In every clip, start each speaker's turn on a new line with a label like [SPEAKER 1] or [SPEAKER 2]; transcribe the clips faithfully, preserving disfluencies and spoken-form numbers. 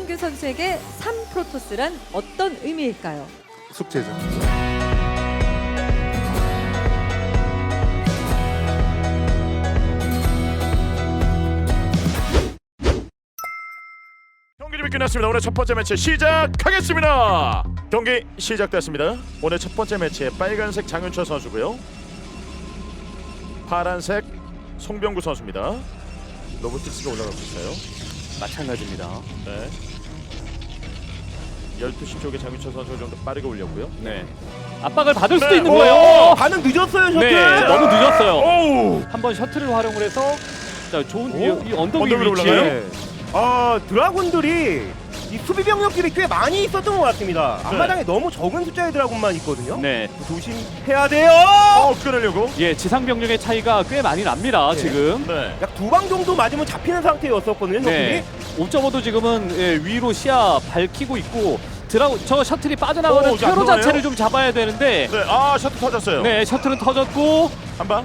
[SPEAKER 1] 송병규 선수에게 삼 프로토스란 어떤 의미일까요?
[SPEAKER 2] 숙제죠.
[SPEAKER 3] 경기 준비 끝났습니다. 오늘 첫 번째 매치 시작하겠습니다. 경기 시작됐습니다. 오늘 첫 번째 매치에 빨간색 장윤철 선수고요. 파란색 송병구 선수입니다. 로보틱스가 올라가고 있어요.
[SPEAKER 4] 마찬가지입니다.
[SPEAKER 3] 네. 열두 시 쪽에 장윤철 선수가 좀 더 빠르게 올렸고요.
[SPEAKER 4] 네. 압박을 받을 수도
[SPEAKER 3] 네.
[SPEAKER 4] 있는
[SPEAKER 3] 오!
[SPEAKER 4] 거예요.
[SPEAKER 5] 반응 늦었어요, 셔틀.
[SPEAKER 4] 네, 너무 늦었어요.
[SPEAKER 3] 오우!
[SPEAKER 4] 한번 셔틀을 활용을 해서 자, 좋은
[SPEAKER 3] 오?
[SPEAKER 4] 이, 이 언덕 위
[SPEAKER 3] 언덕 위로
[SPEAKER 4] 위치에
[SPEAKER 3] 올라가요?
[SPEAKER 5] 네. 아, 드라군들이 이 수비 병력들이 꽤 많이 있었던 것 같습니다. 앞마당에 너무 적은 숫자의 드라군만 있거든요.
[SPEAKER 4] 네.
[SPEAKER 5] 조심해야 돼요.
[SPEAKER 3] 어, 끊으려고?
[SPEAKER 4] 예, 지상 병력의 차이가 꽤 많이 납니다.
[SPEAKER 5] 네.
[SPEAKER 4] 지금.
[SPEAKER 3] 네.
[SPEAKER 5] 약 두 방 정도 맞으면 잡히는 상태였었거든요.
[SPEAKER 4] 네. 옵저버도 지금은 예, 위로 시야 밝히고 있고 드라고 저 셔틀이 빠져나가는
[SPEAKER 3] 오, 이제 안
[SPEAKER 4] 퇴로
[SPEAKER 3] 들어가네요?
[SPEAKER 4] 자체를 좀 잡아야 되는데
[SPEAKER 3] 네. 아, 셔틀 터졌어요.
[SPEAKER 4] 네, 셔틀은 터졌고
[SPEAKER 3] 한 방.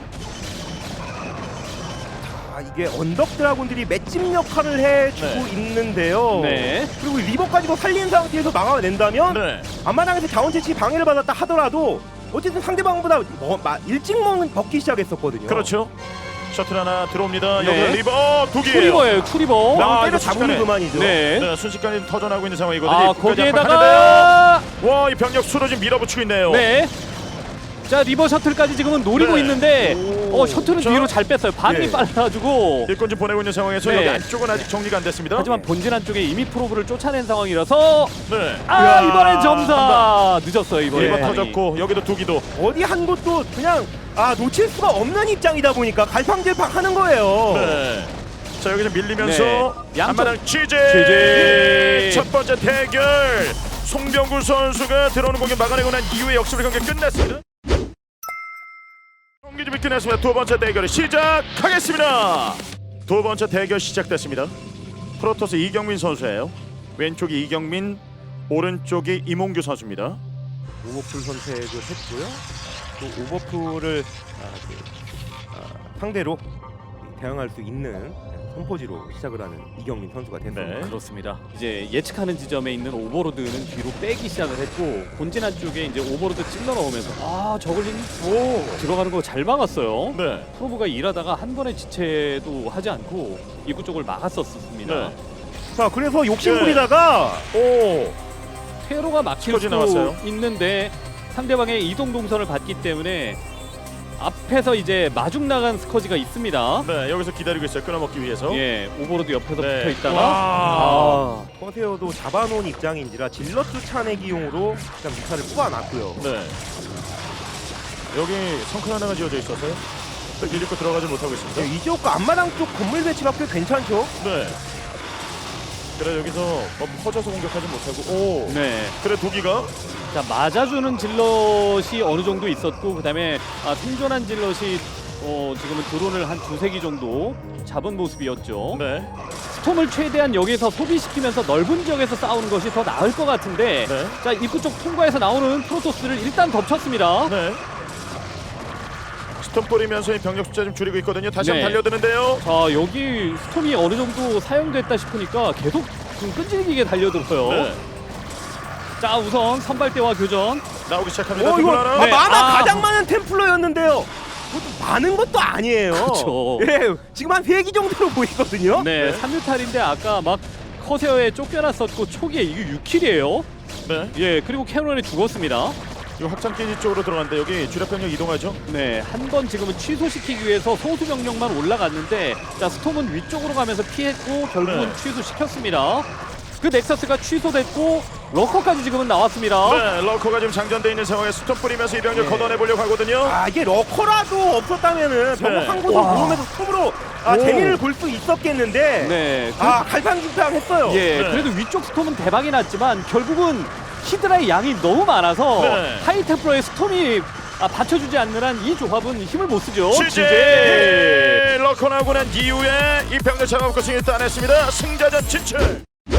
[SPEAKER 5] 아, 이게 언덕 드라군들이 맷집 역할을 해주고
[SPEAKER 3] 네.
[SPEAKER 5] 있는데요.
[SPEAKER 4] 네.
[SPEAKER 5] 그리고 리버까지도 살린 상태에서 막아낸다면
[SPEAKER 3] 네.
[SPEAKER 5] 앞마당에서 자원 채취 방해를 받았다 하더라도 어쨌든 상대방보다 뭐, 마, 일찍 먹, 먹기 시작했었거든요.
[SPEAKER 3] 그렇죠. 셔틀 하나 들어옵니다.
[SPEAKER 4] 네.
[SPEAKER 3] 여기 리버 어, 두 개예요.
[SPEAKER 4] 투리버예요, 투리버.
[SPEAKER 3] 아,
[SPEAKER 5] 나 때려
[SPEAKER 3] 이거
[SPEAKER 5] 잡으면
[SPEAKER 3] 순식간에.
[SPEAKER 5] 그만이죠.
[SPEAKER 4] 네.
[SPEAKER 3] 네, 순식간에 터져나가고 있는 상황이거든요.
[SPEAKER 4] 아,
[SPEAKER 3] 끝까지
[SPEAKER 4] 거기에다가
[SPEAKER 3] 압박하는데요. 와, 이 병력 수로 지금 밀어붙이고 있네요.
[SPEAKER 4] 네. 자, 리버 셔틀까지 지금은 노리고
[SPEAKER 3] 네.
[SPEAKER 4] 있는데
[SPEAKER 5] 오.
[SPEAKER 4] 어, 셔틀은
[SPEAKER 3] 저-
[SPEAKER 4] 뒤로 잘 뺐어요. 반응이
[SPEAKER 5] 예.
[SPEAKER 4] 빨라가지고.
[SPEAKER 3] 일꾼 좀 보내고 있는 상황에서
[SPEAKER 4] 네.
[SPEAKER 3] 여기 안쪽은 아직 정리가 안 됐습니다.
[SPEAKER 4] 하지만 본진 안쪽에 이미 프로브를 쫓아낸 상황이라서
[SPEAKER 3] 네.
[SPEAKER 4] 아,
[SPEAKER 3] 이야,
[SPEAKER 4] 이번엔
[SPEAKER 3] 한
[SPEAKER 4] 점사 늦었어요, 이번에.
[SPEAKER 3] 리버
[SPEAKER 5] 예.
[SPEAKER 3] 터졌고 여기도 두 기도.
[SPEAKER 5] 어디 한 곳도 그냥 아 놓칠 수가 없는 입장이다 보니까 갈팡질팡 하는 거예요.
[SPEAKER 3] 네. 자, 여기서 밀리면서
[SPEAKER 4] 네. 양쪽-
[SPEAKER 3] 안마당 취재.
[SPEAKER 4] 취재.
[SPEAKER 3] 첫 번째 대결. 송병구 선수가 들어오는 공격 막아내고 난 이후에 역습을 경기 끝냈습니다. 경기 준비 끝냈습니다. 두 번째 대결 시작하겠습니다. 두 번째 대결 시작됐습니다. 프로토스 이경민 선수예요. 왼쪽이 이경민, 오른쪽이 이몽규 선수입니다.
[SPEAKER 5] 오버풀 선택을 했고요. 또 오버풀을 아, 그, 아, 상대로 대응할 수 있는 선포지로 시작을 하는 이경민 선수가 됐습니다.
[SPEAKER 3] 네.
[SPEAKER 4] 그렇습니다. 이제 예측하는 지점에 있는 오버로드는 뒤로 빼기 시작을 했고 본진 안쪽에 이제 오버로드 찔러 넣으면서 아 저글링 오 들어가는 거 잘 막았어요.
[SPEAKER 3] 네.
[SPEAKER 4] 프로브가 일하다가 한 번의 지체도 하지 않고 입구 쪽을 막았었습니다.
[SPEAKER 3] 네.
[SPEAKER 5] 자, 그래서 욕심 부리다가
[SPEAKER 3] 오.
[SPEAKER 4] 퇴로가 막힐
[SPEAKER 3] 스쿼지
[SPEAKER 4] 수도
[SPEAKER 3] 나왔어요.
[SPEAKER 4] 있는데 상대방의 이동 동선을 봤기 때문에 앞에서 이제 마중 나간 스커지가 있습니다.
[SPEAKER 3] 네, 여기서 기다리고 있어요. 끊어먹기 위해서.
[SPEAKER 4] 예, 오버로드 옆에서
[SPEAKER 3] 네.
[SPEAKER 4] 붙어 있다가
[SPEAKER 3] 와.
[SPEAKER 4] 아,
[SPEAKER 5] 커세어도 잡아놓은 입장인지라 질러스 차내기용으로 일단 미사를 뽑아놨고요.
[SPEAKER 3] 네. 여기 성큰 하나가 지어져 있어서요. 또 밀리고 들어가지 못하고 있습니다.
[SPEAKER 5] 네, 이 지역과 앞마당 쪽 건물 배치가 꽤 괜찮죠.
[SPEAKER 3] 네. 그래 여기서 뭐 퍼져서 공격하지 못하고 오.
[SPEAKER 4] 네.
[SPEAKER 3] 그래 도기가
[SPEAKER 4] 자 맞아주는 질럿이 어느 정도 있었고 그다음에 아, 생존한 질럿이 어, 지금은 드론을 한 두세 기 정도 잡은 모습이었죠.
[SPEAKER 3] 네.
[SPEAKER 4] 스톰을 최대한 여기서 소비시키면서 넓은 지역에서 싸우는 것이 더 나을 것 같은데
[SPEAKER 3] 네.
[SPEAKER 4] 자 입구 쪽 통과해서 나오는 프로토스를 일단 덮쳤습니다.
[SPEAKER 3] 네. 스톰 뿌리면서 이 병력 숫자 좀 줄이고 있거든요. 다시
[SPEAKER 4] 네.
[SPEAKER 3] 한번 달려드는데요.
[SPEAKER 4] 자 여기 스톰이 어느 정도 사용됐다 싶으니까 계속 좀 끈질기게 달려들어요.
[SPEAKER 3] 네.
[SPEAKER 4] 자 우선 선발대와 교전.
[SPEAKER 3] 나오기 시작합니다.
[SPEAKER 5] 어,
[SPEAKER 3] 두분
[SPEAKER 5] 이거
[SPEAKER 3] 하나.
[SPEAKER 5] 아,
[SPEAKER 4] 네.
[SPEAKER 5] 만화
[SPEAKER 4] 아.
[SPEAKER 5] 가장 많은 템플러였는데요. 그것도 많은 것도 아니에요.
[SPEAKER 4] 그렇죠.
[SPEAKER 5] 예, 지금 한 세 기 정도로 보이거든요.
[SPEAKER 4] 네,
[SPEAKER 3] 네.
[SPEAKER 4] 삼 류탈인데 아까 막 커세어에 쫓겨났었고 초기에 이게 육 킬이에요.
[SPEAKER 3] 네.
[SPEAKER 4] 예, 그리고 캐논에 죽었습니다.
[SPEAKER 3] 이거 확장기지 쪽으로 들어갔는데 여기 주력 병력 이동하죠.
[SPEAKER 4] 네, 한 번 지금은 취소시키기 위해서 소수 병력만 올라갔는데 자 스톰은 위쪽으로 가면서 피했고 결국은
[SPEAKER 3] 네.
[SPEAKER 4] 취소시켰습니다. 그 넥서스가 취소됐고 러커까지 지금은 나왔습니다.
[SPEAKER 3] 네. 러커가 지금 장전돼 있는 상황에 스톰 뿌리면서 이 병력
[SPEAKER 5] 네.
[SPEAKER 3] 걷어내 보려고 하거든요.
[SPEAKER 5] 아, 이게 러커라도 없었다면은 병력
[SPEAKER 3] 네.
[SPEAKER 5] 한 곳을
[SPEAKER 4] 와.
[SPEAKER 5] 모으면서 스톱으로 아,
[SPEAKER 4] 오.
[SPEAKER 5] 재미를 볼 수 있었겠는데
[SPEAKER 4] 네, 그,
[SPEAKER 5] 아, 갈팡질팡했어요.
[SPEAKER 4] 예,
[SPEAKER 3] 네.
[SPEAKER 4] 그래도 위쪽 스톰은 대박이 났지만 결국은 히드라의 양이 너무 많아서
[SPEAKER 3] 네.
[SPEAKER 4] 하이템플러의 스톰이 아, 받쳐주지 않는 한 이 조합은 힘을 못 쓰죠.
[SPEAKER 3] 취재 러커 나오고 난 이후에 이 병력 잡아먹고 승리 따냈습니다. 승자전 진출.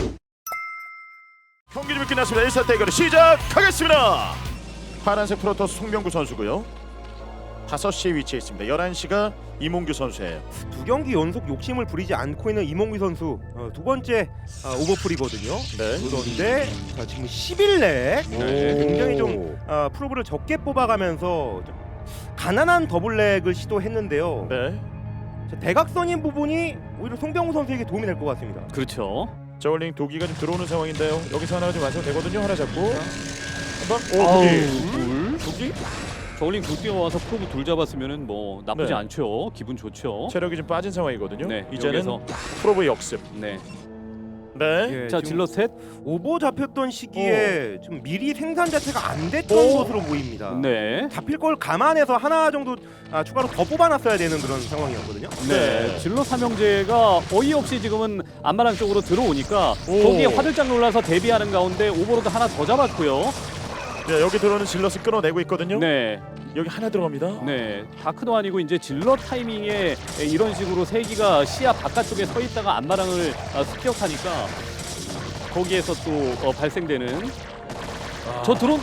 [SPEAKER 3] 경기 준비 끝났습니다. 일 사 대결을 시작하겠습니다. 파란색 프로토스 송병구 선수고요. 다섯 시에 위치해 있습니다. 열한 시가 이몽규 선수예요.
[SPEAKER 5] 두 경기 연속 욕심을 부리지 않고 있는 이몽규 선수 어, 두 번째 아, 오버풀이거든요.
[SPEAKER 3] 네.
[SPEAKER 5] 그런데 자, 지금 십 일 내에
[SPEAKER 4] 네.
[SPEAKER 5] 굉장히 좀 아, 프로브를 적게 뽑아가면서 좀 가난한 더블렉을 시도했는데요.
[SPEAKER 3] 네.
[SPEAKER 5] 자, 대각선인 부분이 오히려 송병우 선수에게 도움이 될 것 같습니다.
[SPEAKER 4] 그렇죠.
[SPEAKER 3] 저울링 도기가 좀 들어오는 상황인데요. 여기서 하나가 좀 완성되거든요. 하나 잡고 한번 오
[SPEAKER 4] 아우,
[SPEAKER 3] 도기.
[SPEAKER 4] 둘.
[SPEAKER 3] 도기?
[SPEAKER 4] 저울링 둘 뛰어와서 프로브 둘 잡았으면은 뭐 나쁘지
[SPEAKER 3] 네.
[SPEAKER 4] 않죠. 기분 좋죠.
[SPEAKER 3] 체력이 좀 빠진 상황이거든요.
[SPEAKER 4] 네,
[SPEAKER 3] 이제는
[SPEAKER 4] 여기서
[SPEAKER 3] 프로브 역습.
[SPEAKER 4] 네.
[SPEAKER 3] 네.
[SPEAKER 5] 예,
[SPEAKER 4] 자,
[SPEAKER 5] 지금
[SPEAKER 4] 질럿 셋.
[SPEAKER 5] 오버 잡혔던 시기에 좀 미리 생산 자체가 안 됐던
[SPEAKER 3] 오.
[SPEAKER 5] 것으로 보입니다.
[SPEAKER 4] 네.
[SPEAKER 5] 잡힐 걸 감안해서 하나 정도 아, 추가로 더 뽑아놨어야 되는 그런 상황이었거든요.
[SPEAKER 4] 네.
[SPEAKER 3] 네.
[SPEAKER 4] 질럿 삼형제가 어이없이 지금은 안마랑 쪽으로 들어오니까
[SPEAKER 3] 오.
[SPEAKER 4] 거기에 화들짝 놀라서 대비하는 가운데 오버로드 하나 더 잡았고요.
[SPEAKER 3] 네, 여기 들어오는 질럿을 끊어내고 있거든요.
[SPEAKER 4] 네.
[SPEAKER 3] 여기 하나 들어갑니다.
[SPEAKER 4] 네, 다크도 아니고 이제 질럿 타이밍에 이런 식으로 세기가 시야 바깥쪽에 서 있다가 안마랑을 아, 습격하니까 거기에서 또 어, 발생되는
[SPEAKER 3] 아.
[SPEAKER 4] 저 드론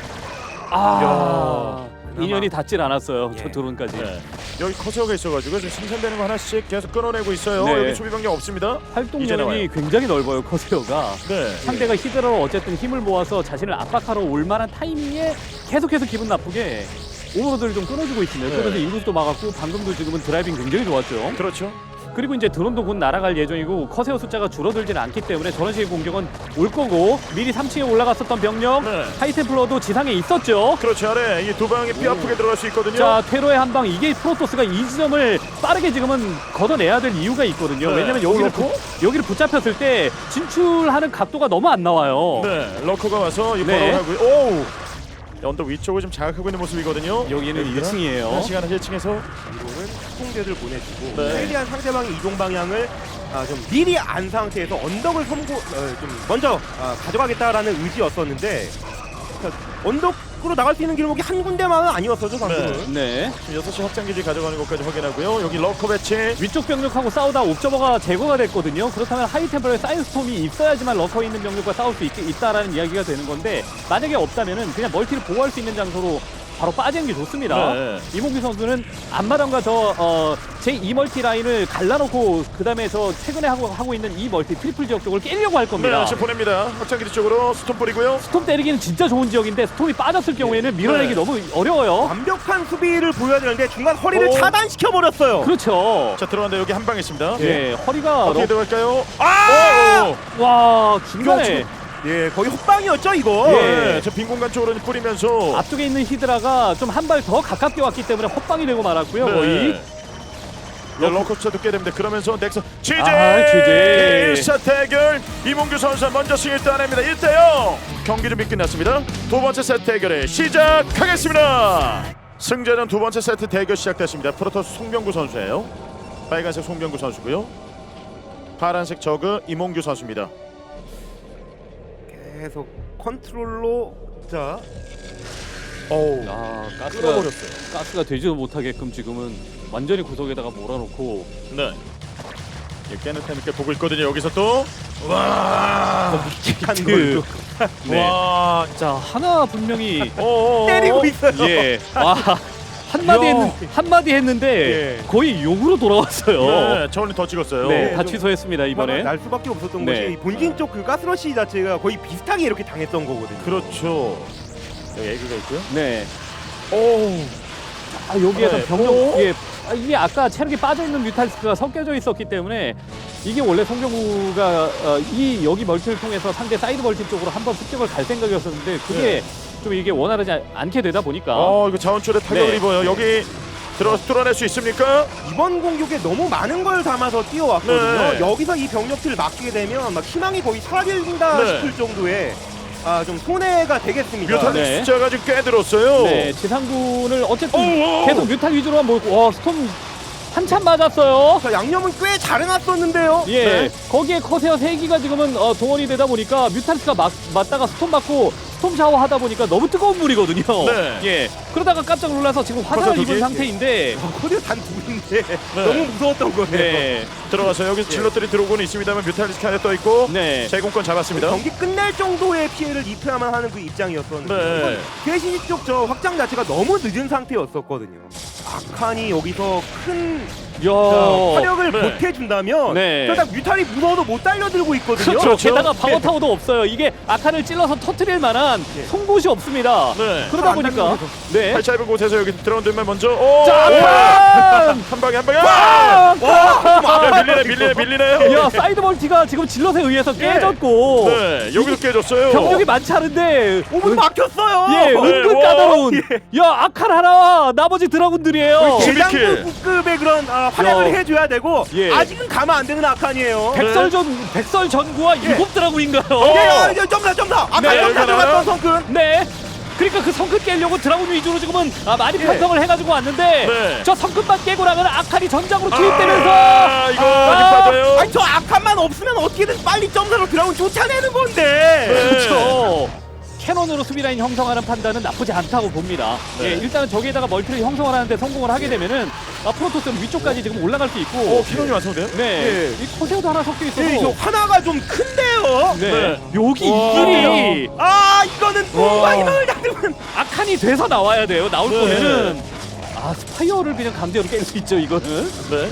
[SPEAKER 4] 아
[SPEAKER 5] 그나마.
[SPEAKER 4] 인연이 닿질 않았어요.
[SPEAKER 5] 예.
[SPEAKER 4] 저 드론까지.
[SPEAKER 3] 네. 여기 커서가 있어가지고 지금 생산되는 거 하나씩 계속 끊어내고 있어요.
[SPEAKER 4] 네.
[SPEAKER 3] 여기 수비 병력 없습니다.
[SPEAKER 4] 활동
[SPEAKER 3] 이제 나와요.
[SPEAKER 4] 여력이 굉장히 넓어요. 커세어가.
[SPEAKER 3] 네.
[SPEAKER 4] 상대가 히드라로 어쨌든 힘을 모아서 자신을 압박하러 올 만한 타이밍에 계속해서 기분 나쁘게 오버로드를 좀 끊어주고 있습니다.
[SPEAKER 3] 네.
[SPEAKER 4] 그래서 인구수도 막았고 방금도 지금은 드라이빙 굉장히 좋았죠.
[SPEAKER 3] 그렇죠.
[SPEAKER 4] 그리고 이제 드론도 곧 날아갈 예정이고 커세어 숫자가 줄어들지는 않기 때문에 저런 식의 공격은 올 거고 미리 삼 층에 올라갔었던 병력
[SPEAKER 3] 네.
[SPEAKER 4] 하이템플러도 지상에 있었죠.
[SPEAKER 3] 그렇죠. 아래 이 두 방이 뼈 아프게 들어갈 수 있거든요.
[SPEAKER 4] 자, 퇴로의 한 방 이게 프로토스가 이 지점을 빠르게 지금은 걷어내야 될 이유가 있거든요.
[SPEAKER 3] 네.
[SPEAKER 4] 왜냐면 여기를
[SPEAKER 3] 올라오고?
[SPEAKER 4] 부, 여기를 붙잡혔을 때 진출하는 각도가 너무 안 나와요.
[SPEAKER 3] 네. 러커가 와서 이
[SPEAKER 4] 네.
[SPEAKER 3] 버럭을 하고 오! 언덕 위쪽을 좀 자극하고 있는 모습이거든요.
[SPEAKER 4] 여기는 일 층이에요.
[SPEAKER 3] 시간은 일 층에서
[SPEAKER 5] 이로는 수송대를 보내주고
[SPEAKER 3] 네.
[SPEAKER 5] 최대한 상대방의 이동 방향을 아, 좀 미리 안 상태에서 언덕을 선고 어, 좀 먼저 아, 가져가겠다라는 의지였었는데 자, 언덕으로 나갈 수 있는 길목이 한 군데만은 아니었어죠 방금은.
[SPEAKER 4] 네.
[SPEAKER 3] 지금 여섯 시 확장기지 가져가는 것까지 확인하고요. 여기 러커 배치.
[SPEAKER 4] 위쪽 병력하고 싸우다 옵저버가 제거가 됐거든요. 그렇다면 하이템플러의 사이드스톰이 있어야지만 러커에 있는 병력과 싸울 수 있, 있다라는 이야기가 되는 건데 만약에 없다면은 그냥 멀티를 보호할 수 있는 장소로 바로 빠지는 게 좋습니다.
[SPEAKER 3] 네.
[SPEAKER 4] 이몽규 선수는 앞마당과 저 어, 제이 멀티 라인을 갈라놓고 그 다음에 저 최근에 하고, 하고 있는 이 멀티 트리플 지역 쪽을 깨려고 할
[SPEAKER 3] 네,
[SPEAKER 4] 겁니다.
[SPEAKER 3] 지금 보냅니다. 확장기지 쪽으로 스톰 뿌리고요.
[SPEAKER 4] 스톰 때리기는 진짜 좋은 지역인데 스톰이 빠졌을 경우에는 밀어내기
[SPEAKER 3] 네.
[SPEAKER 4] 너무 어려워요.
[SPEAKER 5] 완벽한 수비를 보여야 되는데 중간 허리를
[SPEAKER 3] 오.
[SPEAKER 5] 차단시켜 버렸어요.
[SPEAKER 4] 그렇죠.
[SPEAKER 3] 자, 들어간다. 여기 한 방 있습니다.
[SPEAKER 4] 예, 허리가
[SPEAKER 3] 어떻게
[SPEAKER 4] 러...
[SPEAKER 3] 들어갈까요?
[SPEAKER 5] 아!
[SPEAKER 3] 오!
[SPEAKER 4] 와 중간에
[SPEAKER 5] 예, 거의 헛방이었죠 이거.
[SPEAKER 4] 예.
[SPEAKER 3] 네, 저 빈 공간 쪽으로 뿌리면서
[SPEAKER 4] 앞쪽에 있는 히드라가 좀 한 발 더 가깝게 왔기 때문에 헛방이 되고 말았고요.
[SPEAKER 3] 네.
[SPEAKER 4] 거의.
[SPEAKER 3] 네, 러커차도 깨야 됩니다. 그러면서 넥서 지제
[SPEAKER 4] 아, 지제.
[SPEAKER 3] 일 차 대결 이몽규 선수 먼저 승리를 따냅니다. 일 대 영 경기 준비 끝났습니다. 두 번째 세트 대결을 시작하겠습니다. 승자전 두 번째 세트 대결 시작됐습니다. 프로토스 송병구 선수예요. 빨간색 송병구 선수고요. 파란색 저그 이몽규 선수입니다.
[SPEAKER 5] 계속 컨트롤로 자
[SPEAKER 3] 어우,
[SPEAKER 4] 아 가스가
[SPEAKER 3] 끊어버렸어요.
[SPEAKER 4] 가스가 되지도 못하게끔 지금은 완전히 구석에다가 몰아놓고
[SPEAKER 3] 네. 예, 깨는 타임께 보고 있거든요. 여기서 또 와,
[SPEAKER 5] 한
[SPEAKER 4] 그-
[SPEAKER 5] 걸로
[SPEAKER 4] 네.
[SPEAKER 3] 와,
[SPEAKER 4] 자 하나 분명히
[SPEAKER 3] 어,
[SPEAKER 5] 때리고 있어요.
[SPEAKER 4] 예. 와 한마디
[SPEAKER 3] 야.
[SPEAKER 4] 했는 한마디 했는데
[SPEAKER 3] 예.
[SPEAKER 4] 거의 욕으로 돌아왔어요.
[SPEAKER 3] 네, 저울링 더 찍었어요.
[SPEAKER 4] 네,
[SPEAKER 5] 네,
[SPEAKER 4] 다
[SPEAKER 5] 좀-
[SPEAKER 4] 취소했습니다 이번에.
[SPEAKER 5] 날 수밖에 없었던
[SPEAKER 4] 네.
[SPEAKER 5] 것이 본진 쪽 그 가스러시 자체가 거의 비슷하게 이렇게 당했던 거거든요.
[SPEAKER 3] 그렇죠. 여기 에그가 있고요.
[SPEAKER 4] 네.
[SPEAKER 3] 오,
[SPEAKER 4] 아 여기에서
[SPEAKER 3] 네.
[SPEAKER 4] 병력
[SPEAKER 3] 오.
[SPEAKER 4] 예, 아, 이게 아까 체력이 빠져 있는 뮤탈리스크가 섞여져 있었기 때문에 이게 원래 송병구가 어, 이 여기 멀티를 통해서 상대 사이드 멀티 쪽으로 한번 습격을 갈 생각이었었는데 그게
[SPEAKER 3] 네.
[SPEAKER 4] 좀 이게 원활하지 않- 않게 되다 보니까
[SPEAKER 3] 어, 이거 자원줄에 타격을
[SPEAKER 4] 네.
[SPEAKER 3] 입어요. 여기 들어가서 뚫어낼 수 있습니까?
[SPEAKER 5] 이번 공격에 너무 많은 걸 담아서 뛰어왔거든요.
[SPEAKER 3] 네.
[SPEAKER 5] 여기서 이 병력들을 막게 되면 막 희망이 거의 사라진다
[SPEAKER 3] 네.
[SPEAKER 5] 싶을 정도의 아, 좀 손해가 되겠습니다.
[SPEAKER 3] 뮤탄
[SPEAKER 4] 네.
[SPEAKER 3] 숫자가 지금 꽤 들었어요.
[SPEAKER 4] 네, 지상군을 어쨌든
[SPEAKER 3] 오, 오.
[SPEAKER 4] 계속 뮤탈 위주로만 몰고 와 스톰 한참 맞았어요.
[SPEAKER 5] 자, 양념은 꽤 잘 해놨었는데요.
[SPEAKER 4] 예,
[SPEAKER 3] 네.
[SPEAKER 4] 거기에 커세어 세 기가 지금은 어, 동원이 되다 보니까 뮤탈리스크가 막, 맞다가 스톰 맞고 스톰 샤워 하다 보니까 너무 뜨거운 물이거든요.
[SPEAKER 3] 네.
[SPEAKER 4] 예. 그러다가 깜짝 놀라서 지금 화상을
[SPEAKER 3] 커서
[SPEAKER 4] 입은
[SPEAKER 3] 두기?
[SPEAKER 4] 상태인데
[SPEAKER 5] 코디가 단 둘인데 너무 무서웠던 거예요.
[SPEAKER 4] 네.
[SPEAKER 3] 들어가서 여기서 질럿들이 들어오고는 있습니다만 뮤탈리스크 하나 떠 있고
[SPEAKER 4] 네.
[SPEAKER 3] 제공권 잡았습니다.
[SPEAKER 5] 경기 끝낼 정도의 피해를 입혀야만 하는 그 입장이었었는데
[SPEAKER 3] 네.
[SPEAKER 5] 개시지 쪽 저 확장 자체가 너무 늦은 상태였었거든요. 아칸이 여기서 큰
[SPEAKER 4] 야.
[SPEAKER 5] 자, 화력을
[SPEAKER 3] 네.
[SPEAKER 5] 보태준다면
[SPEAKER 4] 네.
[SPEAKER 5] 그러다 뮤탈이 무서워도 못 달려들고 있거든요.
[SPEAKER 4] 그렇죠.
[SPEAKER 3] 그렇죠.
[SPEAKER 4] 게다가 방어 타워도 없어요. 이게 아칸을 찔러서 터트릴 만한
[SPEAKER 5] 예.
[SPEAKER 4] 송곳이 없습니다.
[SPEAKER 3] 네.
[SPEAKER 4] 그러다
[SPEAKER 5] 안
[SPEAKER 4] 보니까
[SPEAKER 5] 닿는
[SPEAKER 4] 네.
[SPEAKER 3] 팔 짧은 곳에서 여기 들어온 듯만 먼저 오!
[SPEAKER 4] 자,
[SPEAKER 3] 오!
[SPEAKER 4] 아칸!
[SPEAKER 3] 한 방에 한 방에
[SPEAKER 4] 아!
[SPEAKER 3] 야, 밀리네 밀리네 밀리네요.
[SPEAKER 4] 야, 사이드 멀티가 지금 질럿에 의해서 깨졌고
[SPEAKER 3] 네 여기도 깨졌어요.
[SPEAKER 4] 병력이 많지 않은데
[SPEAKER 5] 오 분 막혔어요.
[SPEAKER 4] 예, 은근
[SPEAKER 3] 와.
[SPEAKER 4] 까다로운. 야, 아칸 하나, 나머지 드라군들이에요.
[SPEAKER 3] 십이 킬.
[SPEAKER 5] 대장부급의 그런 아, 활약을
[SPEAKER 4] 야.
[SPEAKER 5] 해줘야 되고
[SPEAKER 4] 예.
[SPEAKER 5] 아직은 가면 안 되는 아칸이에요.
[SPEAKER 4] 백설전, 백설 전구와 일곱 드라군인가요?
[SPEAKER 5] 예, 야, 야, 점사 점사. 아칸
[SPEAKER 4] 네,
[SPEAKER 5] 점사
[SPEAKER 3] 여기가
[SPEAKER 5] 들어갔던
[SPEAKER 3] 나와요?
[SPEAKER 5] 성큰.
[SPEAKER 4] 네. 그러니까 그 성큼 깨려고 드라군 위주로 지금은 아, 많이
[SPEAKER 5] 예.
[SPEAKER 4] 편성을 해가지고 왔는데
[SPEAKER 3] 네.
[SPEAKER 4] 저 성큼만 깨고 나면 아칸이 전장으로 투입되면서
[SPEAKER 3] 아, 이거
[SPEAKER 4] 아,
[SPEAKER 3] 아직 빠져요.
[SPEAKER 5] 아니 저 아칸만 없으면 어떻게든 빨리 점사로 드라군 쫓아내는 건데.
[SPEAKER 3] 네.
[SPEAKER 4] 그렇죠. 캐논으로 수비라인 형성하는 판단은 나쁘지 않다고 봅니다.
[SPEAKER 3] 네.
[SPEAKER 4] 예, 일단은 저기에다가 멀티를 형성을 하는데 성공을 하게 되면은 아, 프로토스는 위쪽까지 지금 올라갈 수 있고
[SPEAKER 3] 오 키론이 완성돼요?
[SPEAKER 4] 네,
[SPEAKER 5] 예.
[SPEAKER 4] 이 코세오도 하나 섞여 있어서
[SPEAKER 5] 예, 저 하나가 좀 큰데요.
[SPEAKER 4] 네.
[SPEAKER 3] 네.
[SPEAKER 4] 여기
[SPEAKER 3] 와.
[SPEAKER 4] 이 길이
[SPEAKER 5] 아 이거는
[SPEAKER 3] 와.
[SPEAKER 5] 공방이를 잡으면
[SPEAKER 4] 악한이 돼서 나와야 돼요. 나올
[SPEAKER 3] 네.
[SPEAKER 4] 거면은 아 스파이어를 그냥 강제로 깰 수 있죠 이거는.
[SPEAKER 3] 네.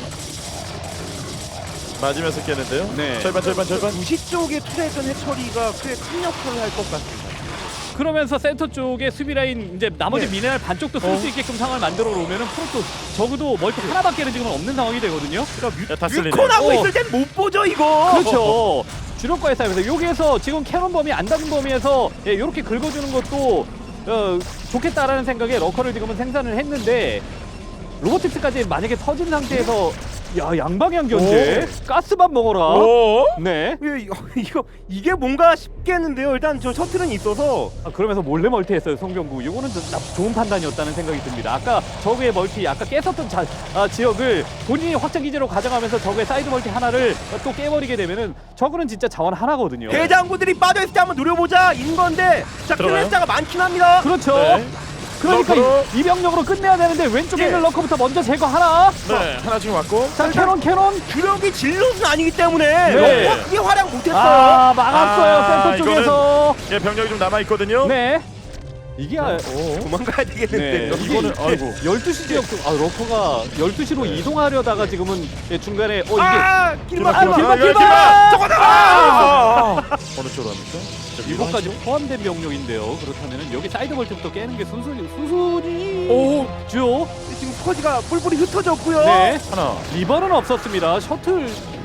[SPEAKER 3] 맞으면서 깨는데요.
[SPEAKER 4] 네.
[SPEAKER 3] 절반 절반 절반.
[SPEAKER 5] 무시 쪽에 투자했던 해처리가 꽤 큰 역할을 할 것 같습니다.
[SPEAKER 4] 그러면서 센터 쪽에 수비 라인 이제 나머지
[SPEAKER 5] 네.
[SPEAKER 4] 미네랄 반쪽도 쓸 수
[SPEAKER 3] 어.
[SPEAKER 4] 있게끔 상황을 만들어 놓으면은 프로토스 적어도 멀티 하나밖에는 지금 없는 상황이 되거든요.
[SPEAKER 3] 야, 다 쓸리네.
[SPEAKER 5] 뮤콘하고
[SPEAKER 4] 어.
[SPEAKER 5] 있을 땐 못 보죠 이거.
[SPEAKER 4] 그렇죠. 주력과의 싸움에서 여기에서 지금 캐논 범위 안 닿은 범위에서 예, 이렇게 긁어주는 것도 어, 좋겠다라는 생각에 러커를 지금은 생산을 했는데 로보틱스까지 만약에 터진 상태에서 야 양방향 견제 가스만 먹어라.
[SPEAKER 3] 오.
[SPEAKER 4] 네.
[SPEAKER 5] 예, 이거, 이거 이게 뭔가 싶겠는데요. 일단 저 셔틀은 있어서
[SPEAKER 4] 아, 그러면서 몰래 멀티했어요 송병구. 이거는 좀 나- 좋은 판단이었다는 생각이 듭니다. 아까 저그의 멀티 아까 깼었던 자, 아, 지역을 본인이 확장 기지로 가져가면서 저그의 사이드 멀티 하나를 또 깨버리게 되면은 저그는 진짜 자원 하나거든요.
[SPEAKER 5] 대장부들이 빠져있을 때 한번 노려보자 인 건데 자
[SPEAKER 3] 들어가요?
[SPEAKER 5] 클래스자가 많긴 합니다.
[SPEAKER 4] 그렇죠.
[SPEAKER 3] 네.
[SPEAKER 4] 그러니까
[SPEAKER 3] 러커로.
[SPEAKER 4] 이, 이 병력으로 끝내야 되는데 왼쪽에
[SPEAKER 5] 예.
[SPEAKER 4] 있는 러커부터 먼저 제거하나.
[SPEAKER 3] 네 하나 지금 왔고.
[SPEAKER 4] 자 캐논 캐논.
[SPEAKER 5] 주력이 질럿은 아니기 때문에
[SPEAKER 4] 네.
[SPEAKER 5] 너무 크게 활약 못했어요.
[SPEAKER 4] 아 막았어요
[SPEAKER 3] 아,
[SPEAKER 4] 센터 쪽에서.
[SPEAKER 3] 예 병력이 좀 남아 있거든요.
[SPEAKER 4] 네. 이게 아,
[SPEAKER 5] 도망가야
[SPEAKER 4] 네.
[SPEAKER 5] 되겠는데요.
[SPEAKER 4] 이게
[SPEAKER 3] 이거는 아이고.
[SPEAKER 4] 열두 시 지역 쪽, 아 러커가 열두 시로 이동하려다가 지금은 예, 중간에 어 이게
[SPEAKER 5] 아 길막
[SPEAKER 4] 아,
[SPEAKER 5] 길막
[SPEAKER 4] 길막,
[SPEAKER 3] 길막,
[SPEAKER 4] 길막!
[SPEAKER 5] 저거
[SPEAKER 3] 아, 아, 아. 어느 쪽으로 합니까? 자,
[SPEAKER 4] 이거까지
[SPEAKER 3] 위로
[SPEAKER 4] 포함된 병력인데요. 그렇다면은 여기 사이드 벌트부터 깨는 게 순순히 순순히
[SPEAKER 3] 오.
[SPEAKER 4] 죠.
[SPEAKER 5] 지금 퍼지가 뿔뿔이 흩어졌고요.
[SPEAKER 4] 네.
[SPEAKER 3] 하나.
[SPEAKER 4] 리버는 없었습니다. 셔틀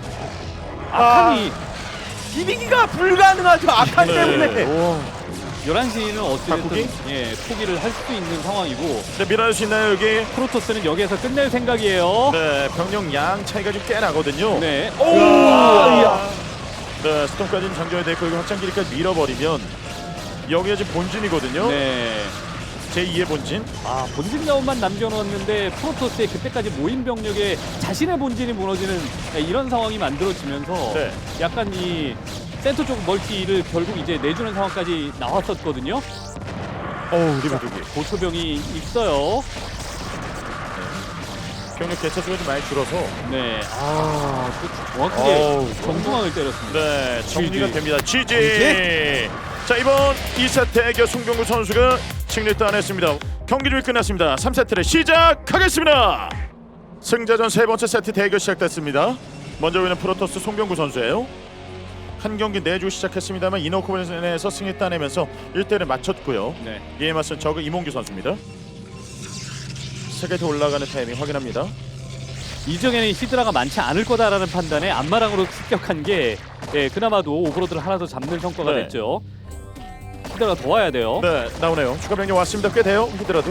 [SPEAKER 4] 아칸이
[SPEAKER 5] 비비기가 불가능하죠. 아칸
[SPEAKER 3] 네.
[SPEAKER 5] 때문에.
[SPEAKER 3] 오.
[SPEAKER 4] 열한 시는 어찌됐든
[SPEAKER 3] 바꾸기?
[SPEAKER 4] 예, 포기를 할 수도 있는 상황이고
[SPEAKER 3] 네 밀어낼 수 있나요 여기?
[SPEAKER 4] 프로토스는 여기에서 끝낼 생각이에요.
[SPEAKER 3] 네 병력 양 차이가 좀 꽤 나거든요.
[SPEAKER 4] 네.
[SPEAKER 3] 오.
[SPEAKER 4] 야.
[SPEAKER 3] 네 스톰까지는 장전이 됐고 이거 확장 길이까지 밀어버리면 여기가 지금 본진이거든요.
[SPEAKER 4] 네.
[SPEAKER 3] 제이의 본진.
[SPEAKER 4] 아, 본진 자원만 남겨놓았는데 프로토스의 그때까지 모인 병력에 자신의 본진이 무너지는 이런 상황이 만들어지면서
[SPEAKER 3] 네.
[SPEAKER 4] 약간 이 센터 쪽 멀티를 결국 이제 내주는 상황까지 나왔었거든요.
[SPEAKER 3] 어우 리버두기.
[SPEAKER 4] 고초병이 있어요.
[SPEAKER 3] 병력 개차 수가 좀 많이 줄어서.
[SPEAKER 4] 네. 아, 그 정확하게
[SPEAKER 3] 어우,
[SPEAKER 4] 정중앙을 때렸습니다.
[SPEAKER 3] 네 정리가
[SPEAKER 4] 지지.
[SPEAKER 3] 됩니다. 지지. 자 이번 이 세트 대결 송병구 선수가 승리를 따냈습니다. 경기 좀 끝났습니다. 삼 세트를 시작하겠습니다. 승자전 세 번째 세트 대결 시작됐습니다. 먼저 보이는 프로토스 송병구 선수예요. 한 경기 내주 시작했습니다만 이노코벤에서 승리 따내면서 일 대를 맞췄고요.
[SPEAKER 4] 네.
[SPEAKER 3] 이에 맞선 저그 이몽규 선수입니다. 세계에 올라가는 타이밍 확인합니다.
[SPEAKER 4] 이정에는 히드라가 많지 않을 거다라는 판단에 앞마당으로 습격한 게 예, 그나마도 오버로드를 하나 더 잡는 성과가
[SPEAKER 3] 네.
[SPEAKER 4] 됐죠. 히드라가 더 와야 돼요.
[SPEAKER 3] 네 나오네요. 추가 병력 왔습니다. 꽤 돼요. 히드라도.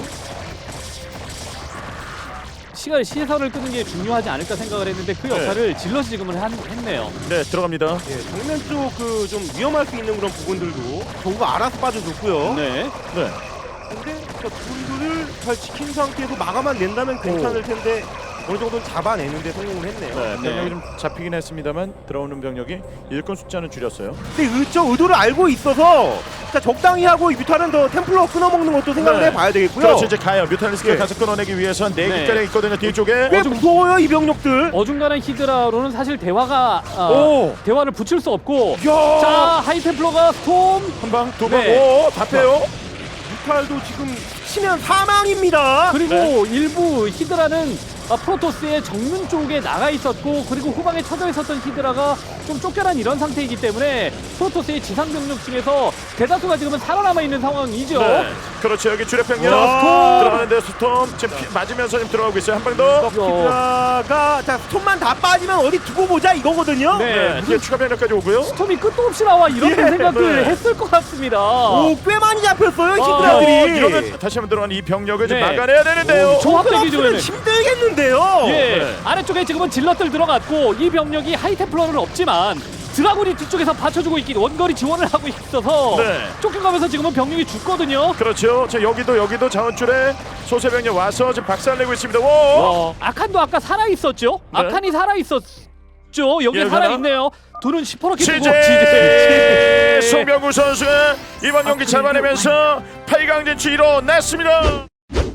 [SPEAKER 4] 시간 시선을 끄는 게 중요하지 않을까 생각을 했는데 그 역할을 질럿이 지금은 한, 했네요.
[SPEAKER 3] 네 들어갑니다.
[SPEAKER 5] 예, 정면 쪽 그 좀 위험할 수 있는 그런 부분들도 정부가 알아서 빠져줬고요.
[SPEAKER 4] 네.
[SPEAKER 3] 네.
[SPEAKER 5] 근데 저 둘을 잘 지킨 상태에서 막아만 낸다면 괜찮을 텐데 어느 정도 잡아내는데 성공을 했네요.
[SPEAKER 3] 네, 병력이
[SPEAKER 4] 네.
[SPEAKER 3] 좀 잡히긴 했습니다만 들어오는 병력이 일꾼 숫자는 줄였어요.
[SPEAKER 5] 근데 의, 저 의도를 알고 있어서 자, 적당히 하고 이 뮤탈은 더 템플러 끊어먹는 것도 생각을
[SPEAKER 3] 네.
[SPEAKER 5] 해봐야 되겠고요.
[SPEAKER 3] 그렇죠. 이제 가요. 뮤탈리스크가
[SPEAKER 5] 예.
[SPEAKER 3] 가서 끊어내기 위해서 네
[SPEAKER 4] 네.
[SPEAKER 3] 개가량 있거든요. 뒤쪽에.
[SPEAKER 5] 꽤 무서워요 이 병력들.
[SPEAKER 4] 어중간한 히드라로는 사실 대화가 아,
[SPEAKER 5] 오.
[SPEAKER 4] 대화를 붙일 수 없고
[SPEAKER 5] 야.
[SPEAKER 4] 자 하이템플러가 스톰
[SPEAKER 3] 한 방, 두 방.
[SPEAKER 4] 네.
[SPEAKER 3] 오, 다 빼요.
[SPEAKER 5] 뮤탈도 지금 치면 사망입니다.
[SPEAKER 4] 그리고
[SPEAKER 3] 네.
[SPEAKER 4] 일부 히드라는 아, 프로토스의 정면 쪽에 나가 있었고 그리고 후방에 쳐져 있었던 히드라가 좀 쫓겨난 이런 상태이기 때문에 프로토스의 지상 병력 중에서 대다수가 지금은 살아남아 있는 상황이죠.
[SPEAKER 3] 네. 그렇죠. 여기 주력 병력
[SPEAKER 5] 와.
[SPEAKER 3] 들어가는데 스톰 지금 피, 맞으면서 지금 들어가고 있어요. 한 방 더.
[SPEAKER 5] 히드라가 자 스톤만 다 빠지면 어디 두고 보자 이거거든요.
[SPEAKER 4] 네.
[SPEAKER 3] 네. 뒤에 추가 병력까지 오고요.
[SPEAKER 4] 스톰이 끝도 없이 나와 이런
[SPEAKER 5] 예.
[SPEAKER 4] 생각을
[SPEAKER 3] 네.
[SPEAKER 4] 했을 것 같습니다.
[SPEAKER 5] 오, 꽤 많이 잡혔어요
[SPEAKER 4] 아,
[SPEAKER 3] 어,
[SPEAKER 5] 히드라들이.
[SPEAKER 3] 이러면 다시 한번 들어가는 이 병력을 좀
[SPEAKER 4] 네.
[SPEAKER 3] 막아내야 되는데요.
[SPEAKER 4] 오, 조합되기
[SPEAKER 5] 없으면
[SPEAKER 4] 전에는.
[SPEAKER 5] 힘들겠는데요.
[SPEAKER 4] 예,
[SPEAKER 3] 네.
[SPEAKER 4] 아래쪽에 지금은 질럿들 들어갔고 이 병력이 하이템플러는 없지만 드라군이 뒤쪽에서 받쳐주고 있기 원거리 지원을 하고 있어서
[SPEAKER 3] 네.
[SPEAKER 4] 쫓겨가면서 지금은 병력이 죽거든요.
[SPEAKER 3] 그렇죠. 자, 여기도 여기도 자원줄에 소세 병력 와서 지금 박살내고 있습니다. 오!
[SPEAKER 4] 어, 아칸도 아까 살아 있었죠?
[SPEAKER 3] 네.
[SPEAKER 4] 아칸이 살아 있었죠. 여기
[SPEAKER 3] 예,
[SPEAKER 4] 살아
[SPEAKER 3] 하나.
[SPEAKER 4] 있네요. 돈은 시퍼렇게
[SPEAKER 3] 치제
[SPEAKER 4] 치제.
[SPEAKER 3] 송병구 선수 이번 경기 잡아내면서 팔 강 진출 이뤄냈습니다.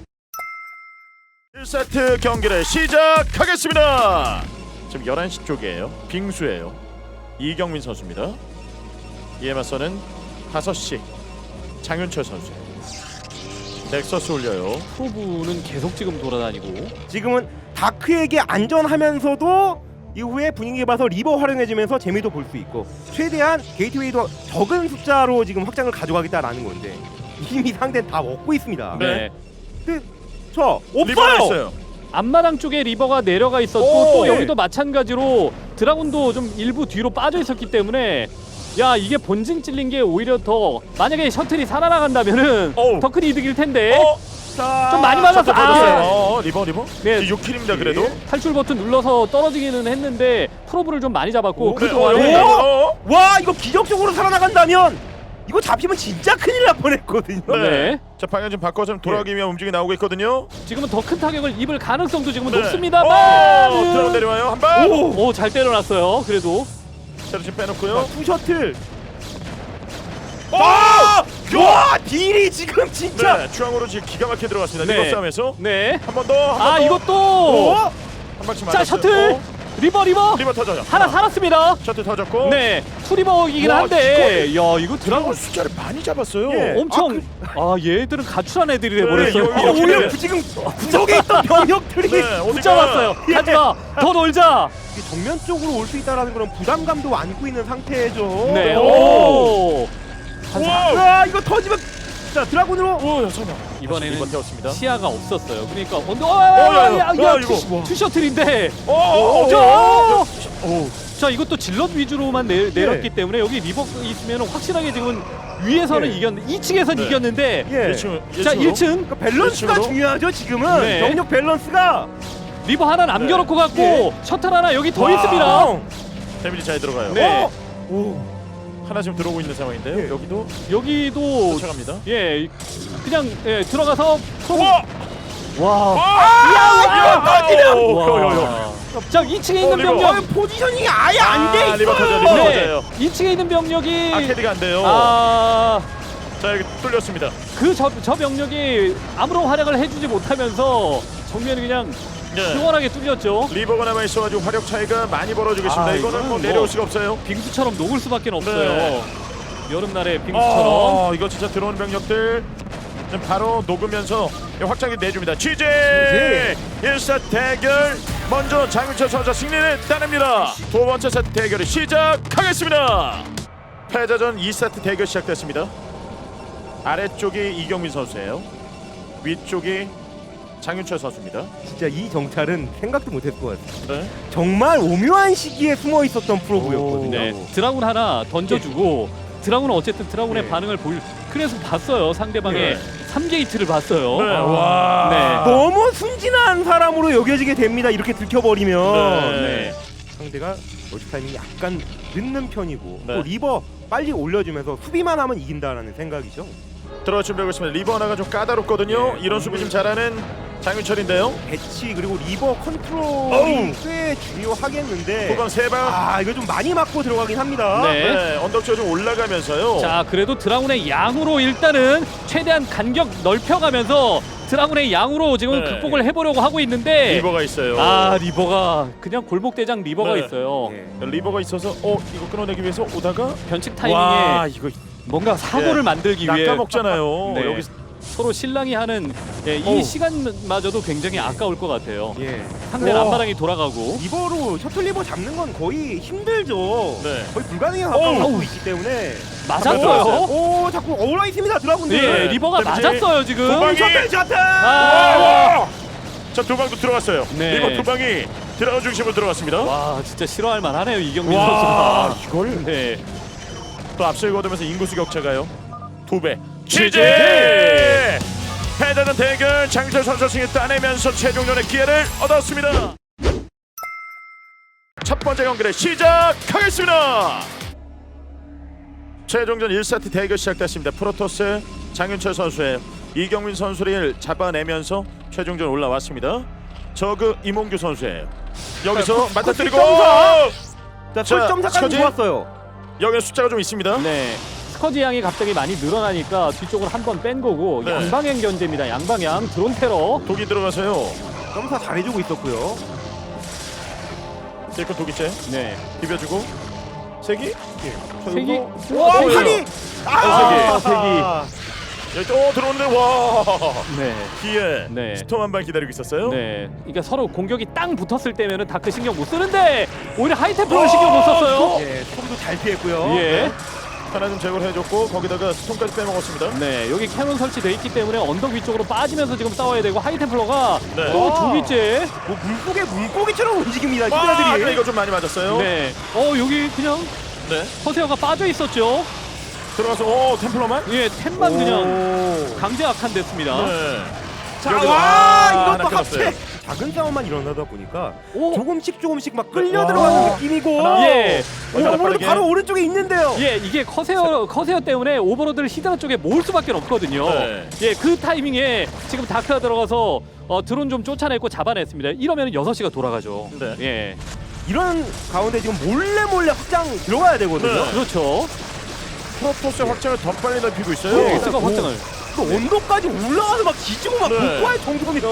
[SPEAKER 3] 일 세트 경기를 시작하겠습니다. 지금 열한 시 쪽이에요. 빙수예요. 이경민 선수입니다. 이에 맞서는 다섯 시 장윤철 선수. 넥서스 올려요.
[SPEAKER 4] 프로브는 계속 지금 돌아다니고
[SPEAKER 5] 지금은 다크에게 안전하면서도 이후에 분위기 봐서 리버 활용해주면서 재미도 볼 수 있고 최대한 게이트웨이도 적은 숫자로 지금 확장을 가져가겠다라는 건데 이미 상대는 다 먹고 있습니다.
[SPEAKER 3] 네.
[SPEAKER 5] 근데 저
[SPEAKER 3] 리버가
[SPEAKER 5] 없어요.
[SPEAKER 3] 있어요.
[SPEAKER 4] 앞마당 쪽에 리버가 내려가 있었고
[SPEAKER 3] 오,
[SPEAKER 4] 또
[SPEAKER 3] 예.
[SPEAKER 4] 여기도 마찬가지로 드라군도 좀 일부 뒤로 빠져 있었기 때문에 야 이게 본진 찔린 게 오히려 더 만약에 셔틀이 살아나간다면은
[SPEAKER 3] 오.
[SPEAKER 4] 더 큰 이득일 텐데
[SPEAKER 3] 어?
[SPEAKER 5] 자,
[SPEAKER 4] 좀 많이 맞았어.
[SPEAKER 3] 아,
[SPEAKER 4] 아,
[SPEAKER 3] 어, 리버 리버.
[SPEAKER 4] 네.
[SPEAKER 3] 육 킬입니다. 그래도.
[SPEAKER 4] 탈출 버튼 눌러서 떨어지기는 했는데 프로브를 좀 많이 잡았고
[SPEAKER 5] 오,
[SPEAKER 4] 그
[SPEAKER 3] 네,
[SPEAKER 4] 동안에
[SPEAKER 3] 어, 어, 어.
[SPEAKER 5] 와 이거 기적적으로 살아나간다면 이거 잡히면 진짜 큰일 날 뻔했거든요.
[SPEAKER 3] 네.
[SPEAKER 4] 네.
[SPEAKER 3] 자, 방향 좀 바꿔서 좀 돌아가기 위한 움직임이 나오고 있거든요.
[SPEAKER 4] 지금은 더 큰 타격을 입을 가능성도 지금은
[SPEAKER 3] 네.
[SPEAKER 4] 높습니다만
[SPEAKER 3] 오, 들어 내려와요. 한 방.
[SPEAKER 4] 오 잘 때려놨어요. 그래도
[SPEAKER 3] 자, 지금 빼놓고요.
[SPEAKER 5] 투 셔틀.
[SPEAKER 3] 오!
[SPEAKER 5] 와 딜이 지금 진짜.
[SPEAKER 3] 네, 중앙으로 지금 기가 막히게 들어갔습니다.
[SPEAKER 4] 네.
[SPEAKER 3] 리버 싸움에서
[SPEAKER 4] 네.
[SPEAKER 3] 한 번 더. 한
[SPEAKER 4] 아
[SPEAKER 3] 번 더.
[SPEAKER 4] 이것도
[SPEAKER 5] 어?
[SPEAKER 3] 한 방씩
[SPEAKER 4] 자
[SPEAKER 3] 맞았어요.
[SPEAKER 4] 셔틀
[SPEAKER 3] 어,
[SPEAKER 4] 리버 리버
[SPEAKER 3] 리버 터져요.
[SPEAKER 4] 하나 살았습니다.
[SPEAKER 3] 셔틀 터졌고.
[SPEAKER 4] 네, 투리버이긴
[SPEAKER 3] 와,
[SPEAKER 4] 한데, 야 이거
[SPEAKER 3] 드라곤
[SPEAKER 4] 드라곤
[SPEAKER 3] 숫자를 많이 잡았어요.
[SPEAKER 5] 예.
[SPEAKER 4] 엄청 아, 얘들은 가출한 애들이
[SPEAKER 3] 네,
[SPEAKER 4] 돼버렸어요.
[SPEAKER 3] 이거-
[SPEAKER 5] 아,
[SPEAKER 3] 이렇게
[SPEAKER 5] 오히려
[SPEAKER 3] 되네.
[SPEAKER 5] 지금 구석에 있던 병력들이
[SPEAKER 3] 네, 어디가
[SPEAKER 4] 붙잡았어요.
[SPEAKER 5] 예.
[SPEAKER 4] 가지마, 더 놀자.
[SPEAKER 5] 이게 정면 쪽으로 올 수 있다라는 그런 부담감도 안고 있는 상태죠.
[SPEAKER 4] 네,
[SPEAKER 3] 오.
[SPEAKER 4] 오.
[SPEAKER 3] 우와!
[SPEAKER 5] 와 이거 터지면 자 드라군으로.
[SPEAKER 3] 오, 야, 설마.
[SPEAKER 4] 이번에는
[SPEAKER 3] 리버 태웠습니다.
[SPEAKER 4] 시야가 없었어요. 그러니까 언더,
[SPEAKER 3] 어,
[SPEAKER 4] 아,
[SPEAKER 3] 야, 야,
[SPEAKER 4] 야,
[SPEAKER 3] 야,
[SPEAKER 4] 야,
[SPEAKER 3] 이거.
[SPEAKER 4] 투, 투셔틀인데,
[SPEAKER 3] 오, 오, 오,
[SPEAKER 4] 자,
[SPEAKER 3] 오, 오.
[SPEAKER 4] 자 이것도 질럿 위주로만 내, 내렸기 때문에 여기 리버 있으면 확실하게 지금 위에서는
[SPEAKER 5] 예.
[SPEAKER 4] 이겼는데, 이 층에서는
[SPEAKER 3] 네.
[SPEAKER 4] 이겼는데,
[SPEAKER 5] 예.
[SPEAKER 3] 일 층,
[SPEAKER 4] 자
[SPEAKER 3] 일 층으로?
[SPEAKER 4] 일 층
[SPEAKER 5] 그러니까 밸런스가
[SPEAKER 3] 일층으로?
[SPEAKER 5] 중요하죠 지금은.
[SPEAKER 4] 네.
[SPEAKER 5] 병력 밸런스가.
[SPEAKER 4] 리버 하나 남겨놓고 갔고
[SPEAKER 5] 예.
[SPEAKER 4] 셔틀 하나 여기 더
[SPEAKER 3] 와.
[SPEAKER 4] 있습니다.
[SPEAKER 3] 데미지 잘 들어가요.
[SPEAKER 4] 네.
[SPEAKER 5] 어? 오.
[SPEAKER 3] 하나 지금 들어오고 있는 상황인데요.
[SPEAKER 5] 예.
[SPEAKER 3] 여기도
[SPEAKER 4] 여기도
[SPEAKER 3] 쫓아갑니다.
[SPEAKER 4] 예 그냥 예, 들어가서 프로
[SPEAKER 3] 와!
[SPEAKER 4] 와.
[SPEAKER 3] 야,
[SPEAKER 5] 터지면!
[SPEAKER 4] 와. 자 이 층에 있는
[SPEAKER 3] 어, 리버.
[SPEAKER 4] 병력
[SPEAKER 5] 어, 포지셔닝이 아예 안 돼
[SPEAKER 3] 아,
[SPEAKER 5] 있어요.
[SPEAKER 3] 리버 터져, 리버
[SPEAKER 4] 네.
[SPEAKER 3] 터져요.
[SPEAKER 4] 이 층에 있는 병력이
[SPEAKER 3] 아케디가 안 돼요.
[SPEAKER 4] 아,
[SPEAKER 3] 자, 여기 뚫렸습니다.
[SPEAKER 4] 그 저 저 병력이 아무런 활약을 해주지 못하면서 정면이 그냥
[SPEAKER 3] 네.
[SPEAKER 4] 시원하게 뚫렸죠.
[SPEAKER 3] 리버가 남아 있어가지고 화력 차이가 많이 벌어지고 있습니다.
[SPEAKER 4] 아,
[SPEAKER 3] 이거는
[SPEAKER 4] 이거는
[SPEAKER 3] 뭐
[SPEAKER 4] 뭐-
[SPEAKER 3] 내려올 수가 없어요.
[SPEAKER 4] 빙수처럼 녹을 수밖에 없어요.
[SPEAKER 3] 네.
[SPEAKER 4] 여름날의 빙수처럼.
[SPEAKER 3] 어, 이거 진짜 들어오는 병력들 지금 바로 녹으면서 확장기 내줍니다. 취재 일 세트 대결 먼저 장윤철 선수 승리를 따냅니다. 두 번째 세트 대결을 시작하겠습니다. 패자전 이 세트 대결 시작됐습니다. 아래쪽이 이경민 선수예요. 위쪽이 장윤철 선수입니다.
[SPEAKER 5] 진짜 이 정찰은 생각도 못했을 것 같아요.
[SPEAKER 3] 네.
[SPEAKER 5] 정말 오묘한 시기에 숨어 있었던 프로브였거든요.
[SPEAKER 4] 네, 드라군 하나 던져주고 드라군은 어쨌든 드라군의
[SPEAKER 5] 네.
[SPEAKER 4] 반응을 보일 그래서 봤어요. 상대방의
[SPEAKER 3] 네.
[SPEAKER 4] 삼 게이트를 봤어요.
[SPEAKER 3] 네. 와.
[SPEAKER 4] 네.
[SPEAKER 5] 너무 순진한 사람으로 여겨지게 됩니다. 이렇게 들켜버리면.
[SPEAKER 3] 네.
[SPEAKER 4] 네.
[SPEAKER 5] 상대가 멀티 타이밍이 약간 늦는 편이고
[SPEAKER 3] 네.
[SPEAKER 5] 또 리버 빨리 올려주면서 수비만 하면 이긴다라는 생각이죠.
[SPEAKER 3] 들어갈 준비하고 있습니다. 리버 하나가 좀 까다롭거든요.
[SPEAKER 5] 네,
[SPEAKER 3] 이런 수비 좀 잘하는 장윤철인데요.
[SPEAKER 5] 배치 그리고 리버 컨트롤이 꽤 중요하겠는데
[SPEAKER 3] 후방 세 방.
[SPEAKER 5] 아 이거 좀 많이 맞고 들어가긴 합니다.
[SPEAKER 4] 네.
[SPEAKER 3] 네, 언덕지가 좀 올라가면서요.
[SPEAKER 4] 자, 그래도 드라군의 양으로 일단은 최대한 간격 넓혀가면서 드라군의 양으로 지금
[SPEAKER 3] 네.
[SPEAKER 4] 극복을 해보려고 하고 있는데
[SPEAKER 3] 리버가 있어요.
[SPEAKER 4] 아, 리버가 그냥 골목대장 리버가
[SPEAKER 3] 네.
[SPEAKER 4] 있어요.
[SPEAKER 5] 예.
[SPEAKER 3] 리버가 있어서 어 이거 끊어내기 위해서 오다가
[SPEAKER 4] 변칙
[SPEAKER 3] 와
[SPEAKER 4] 타이밍에
[SPEAKER 3] 이거
[SPEAKER 4] 뭔가 사고를
[SPEAKER 3] 예.
[SPEAKER 4] 만들기 위해
[SPEAKER 3] 낚아먹잖아요.
[SPEAKER 4] 네.
[SPEAKER 3] 여기
[SPEAKER 4] 서로 신랑이 하는 예, 이
[SPEAKER 3] 어우.
[SPEAKER 4] 시간마저도 굉장히 아까울 것 같아요.
[SPEAKER 5] 예.
[SPEAKER 4] 상대
[SPEAKER 3] 와.
[SPEAKER 4] 앞마당이 돌아가고
[SPEAKER 5] 리버로 셔틀 리버 잡는 건 거의 힘들죠.
[SPEAKER 3] 네.
[SPEAKER 5] 거의 불가능에 가까울
[SPEAKER 4] 어우.
[SPEAKER 5] 수 있기 때문에.
[SPEAKER 4] 맞았어요.
[SPEAKER 5] 오 자꾸 어울러 있습니다 드라군들.
[SPEAKER 4] 예,
[SPEAKER 3] 네.
[SPEAKER 4] 리버가
[SPEAKER 3] 데미지.
[SPEAKER 4] 맞았어요 지금.
[SPEAKER 3] 도망이.
[SPEAKER 5] 셔틀 셔틀.
[SPEAKER 4] 아,
[SPEAKER 3] 자두 방도 들어갔어요.
[SPEAKER 4] 네.
[SPEAKER 3] 리버 두 방이 드라운 중심으로 들어갔습니다.
[SPEAKER 4] 와, 진짜 싫어할 만하네요 이경민
[SPEAKER 3] 와,
[SPEAKER 4] 선수가.
[SPEAKER 3] 이걸
[SPEAKER 4] 네.
[SPEAKER 3] 또 앞서 거두면서 인구수 격차가요. 두 배.
[SPEAKER 4] 취재!
[SPEAKER 3] 취재! 패자전 대결 장철 선수 승리 따내면서 최종전의 기회를 얻었습니다. 첫 번째 경기를 시작하겠습니다. 최종전 일 세트 대결 시작됐습니다. 프로토스 장윤철 선수의 이경민 선수를 잡아내면서 최종전 올라왔습니다. 저그 이몽규 선수예요. 여기서
[SPEAKER 5] 자,
[SPEAKER 3] 맞닥뜨리고
[SPEAKER 5] 자,
[SPEAKER 3] 자,
[SPEAKER 5] 설점사까지
[SPEAKER 3] 스커지.
[SPEAKER 5] 좋았어요.
[SPEAKER 3] 여기는 숫자가 좀 있습니다.
[SPEAKER 4] 네. 스커지 양이 갑자기 많이 늘어나니까 뒤쪽으로 한 번 뺀 거고
[SPEAKER 3] 네.
[SPEAKER 4] 양방향 견제입니다. 양방향 드론 테러.
[SPEAKER 3] 독이 들어가서요.
[SPEAKER 5] 점사 잘해주고 있었고요.
[SPEAKER 3] 딜컷 독이째
[SPEAKER 4] 네.
[SPEAKER 3] 비벼주고 세기.
[SPEAKER 4] 세기.
[SPEAKER 5] 와
[SPEAKER 3] 어,
[SPEAKER 5] 칼이.
[SPEAKER 3] 아,
[SPEAKER 4] 세기.
[SPEAKER 3] 여기 또 들어오는데 와
[SPEAKER 4] 네.
[SPEAKER 3] 뒤에
[SPEAKER 4] 네.
[SPEAKER 3] 스톰 한 방 기다리고 있었어요.
[SPEAKER 4] 네. 그러니까 서로 공격이 땅 붙었을 때면은 다크 신경 못 쓰는데 오히려 하이템플러 신경 못 썼어요.
[SPEAKER 5] 예, 톰도 잘 피했고요.
[SPEAKER 4] 예.
[SPEAKER 3] 하나 좀 제거를 해줬고 거기다가 스톰까지 빼먹었습니다.
[SPEAKER 4] 네. 여기 캐논 설치돼 있기 때문에 언덕 위쪽으로 빠지면서 지금 싸워야 되고 하이템플러가
[SPEAKER 3] 네.
[SPEAKER 4] 또
[SPEAKER 5] 와.
[SPEAKER 4] 두 기째.
[SPEAKER 5] 뭐 물고기 물고기처럼 움직입니다.
[SPEAKER 3] 와, 아까
[SPEAKER 5] 히드라들이.
[SPEAKER 3] 이거 좀 많이 맞았어요.
[SPEAKER 4] 네. 어, 여기 그냥
[SPEAKER 3] 네.
[SPEAKER 4] 허세어가 빠져 있었죠.
[SPEAKER 3] 들어가서 오 템플러만.
[SPEAKER 4] 예, 템만 그냥
[SPEAKER 5] 오.
[SPEAKER 4] 강제 악한됐습니다.
[SPEAKER 3] 네.
[SPEAKER 5] 자,
[SPEAKER 3] 여기서-
[SPEAKER 5] 와
[SPEAKER 3] 아,
[SPEAKER 5] 이것도
[SPEAKER 3] 하나 끊었어요.
[SPEAKER 5] 합체. 작은 싸움만 일어나다 보니까
[SPEAKER 4] 오.
[SPEAKER 5] 조금씩 조금씩 막 끌려
[SPEAKER 3] 와.
[SPEAKER 5] 들어가는 느낌이고.
[SPEAKER 3] 하나.
[SPEAKER 4] 예.
[SPEAKER 5] 오, 오버로드
[SPEAKER 3] 빠르게.
[SPEAKER 5] 바로 오른쪽에 있는데요.
[SPEAKER 4] 예, 이게 커세어 커세어 때문에 오버로드를 히드라 쪽에 모을 수밖에 없거든요.
[SPEAKER 3] 네.
[SPEAKER 4] 예, 그 타이밍에 지금 다크가 들어가서 어, 드론 좀 쫓아냈고 잡아냈습니다. 이러면 여섯 시가 돌아가죠.
[SPEAKER 3] 네.
[SPEAKER 4] 예,
[SPEAKER 5] 이런 가운데 지금 몰래 몰래 확장 들어가야 되거든요.
[SPEAKER 3] 네.
[SPEAKER 4] 그렇죠.
[SPEAKER 3] 프로토스 확장을 더 빨리 넓히고 있어요.
[SPEAKER 5] 네.
[SPEAKER 4] 스가 확장을.
[SPEAKER 5] 또 언덕까지 올라가서 막 뒤지고 막
[SPEAKER 3] 네.
[SPEAKER 5] 복구할 정도면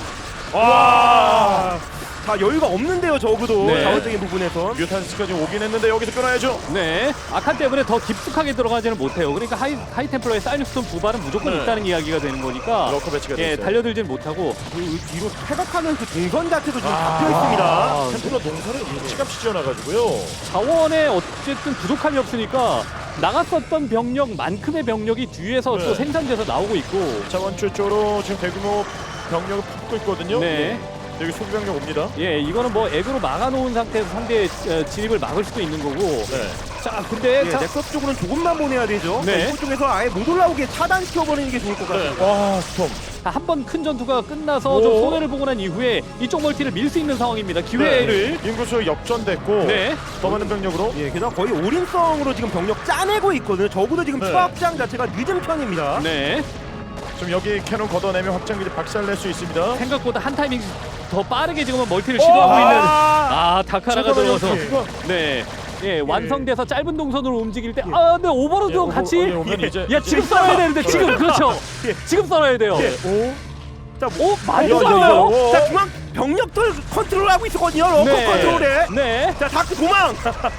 [SPEAKER 3] 와.
[SPEAKER 5] 자 여유가 없는데요 적어도
[SPEAKER 4] 네.
[SPEAKER 5] 자원적인 부분에선.
[SPEAKER 3] 뮤탄스까지 오긴 했는데 여기서 끊어야죠.
[SPEAKER 4] 네, 아칸 때문에 더 깊숙하게 들어가지는 못해요. 그러니까 하이 하이 템플러의 사이닉스톤 두 발은 무조건
[SPEAKER 3] 네.
[SPEAKER 4] 있다는 이야기가 되는 거니까.
[SPEAKER 3] 러커 배치가
[SPEAKER 4] 예,
[SPEAKER 3] 됐어요.
[SPEAKER 4] 달려들진 못하고.
[SPEAKER 5] 그 뒤로 퇴각하는 그 동선 자체도 지금
[SPEAKER 3] 아.
[SPEAKER 5] 잡혀 있습니다.
[SPEAKER 3] 아, 템플러 농사를 일찌감치 지어놔가지고요.
[SPEAKER 4] 자원에 어쨌든 부족함이 없으니까 나갔었던 병력만큼의 병력이 뒤에서
[SPEAKER 3] 네.
[SPEAKER 4] 또 생산돼서 나오고 있고.
[SPEAKER 3] 자원줄 쪽으로 지금 대규모 병력을 품고 있거든요.
[SPEAKER 4] 네.
[SPEAKER 3] 여기 소비병력 옵니다.
[SPEAKER 4] 예, 이거는 뭐 액으로 막아놓은 상태에서 상대의 어, 진입을 막을 수도 있는 거고.
[SPEAKER 3] 네.
[SPEAKER 4] 자, 근데
[SPEAKER 5] 예,
[SPEAKER 4] 자,
[SPEAKER 5] 넥서스 쪽으로는 조금만 보내야 되죠.
[SPEAKER 4] 네.
[SPEAKER 5] 이쪽 쪽에서 아예 못 올라오게 차단시켜버리는 게 좋을 것
[SPEAKER 3] 네.
[SPEAKER 5] 같아요.
[SPEAKER 3] 와 스톰.
[SPEAKER 4] 한 번 큰 전투가 끝나서
[SPEAKER 3] 오.
[SPEAKER 4] 좀 손해를 보고 난 이후에 이쪽 멀티를 밀 수 있는 상황입니다. 기회를.
[SPEAKER 3] 네. 인구수 역전됐고
[SPEAKER 4] 네.
[SPEAKER 3] 더 많은 병력으로.
[SPEAKER 5] 예, 게다가 거의 올인성으로 지금 병력 짜내고 있거든요. 적어도 지금
[SPEAKER 3] 네.
[SPEAKER 5] 추가 확장 자체가 늦은 편입니다.
[SPEAKER 4] 네.
[SPEAKER 3] 지금 여기 캐논 걷어내면 확장기지 박살낼 수 있습니다.
[SPEAKER 4] 생각보다 한 타이밍 더 빠르게 지금은 멀티를 시도하고 있는. 아, 다카라가 들어가서. 네. 예, 완성돼서 짧은 동선으로 움직일 때, 아, 근데 오버로드도
[SPEAKER 3] 예,
[SPEAKER 4] 같이.
[SPEAKER 3] 오, 예, 오면 이제
[SPEAKER 4] 야, 지금 썰어야 되는데, 지금, 그렇죠.
[SPEAKER 5] 예.
[SPEAKER 4] 지금 썰어야 돼요.
[SPEAKER 5] 예. 오. 자, 뭐,
[SPEAKER 4] 오, 많이
[SPEAKER 3] 야,
[SPEAKER 4] 썰어요.
[SPEAKER 3] 오.
[SPEAKER 5] 자, 중앙 병력들 컨트롤하고 있었거든요. 러커
[SPEAKER 4] 네.
[SPEAKER 5] 컨트롤에.
[SPEAKER 4] 네.
[SPEAKER 5] 자, 다크 도망.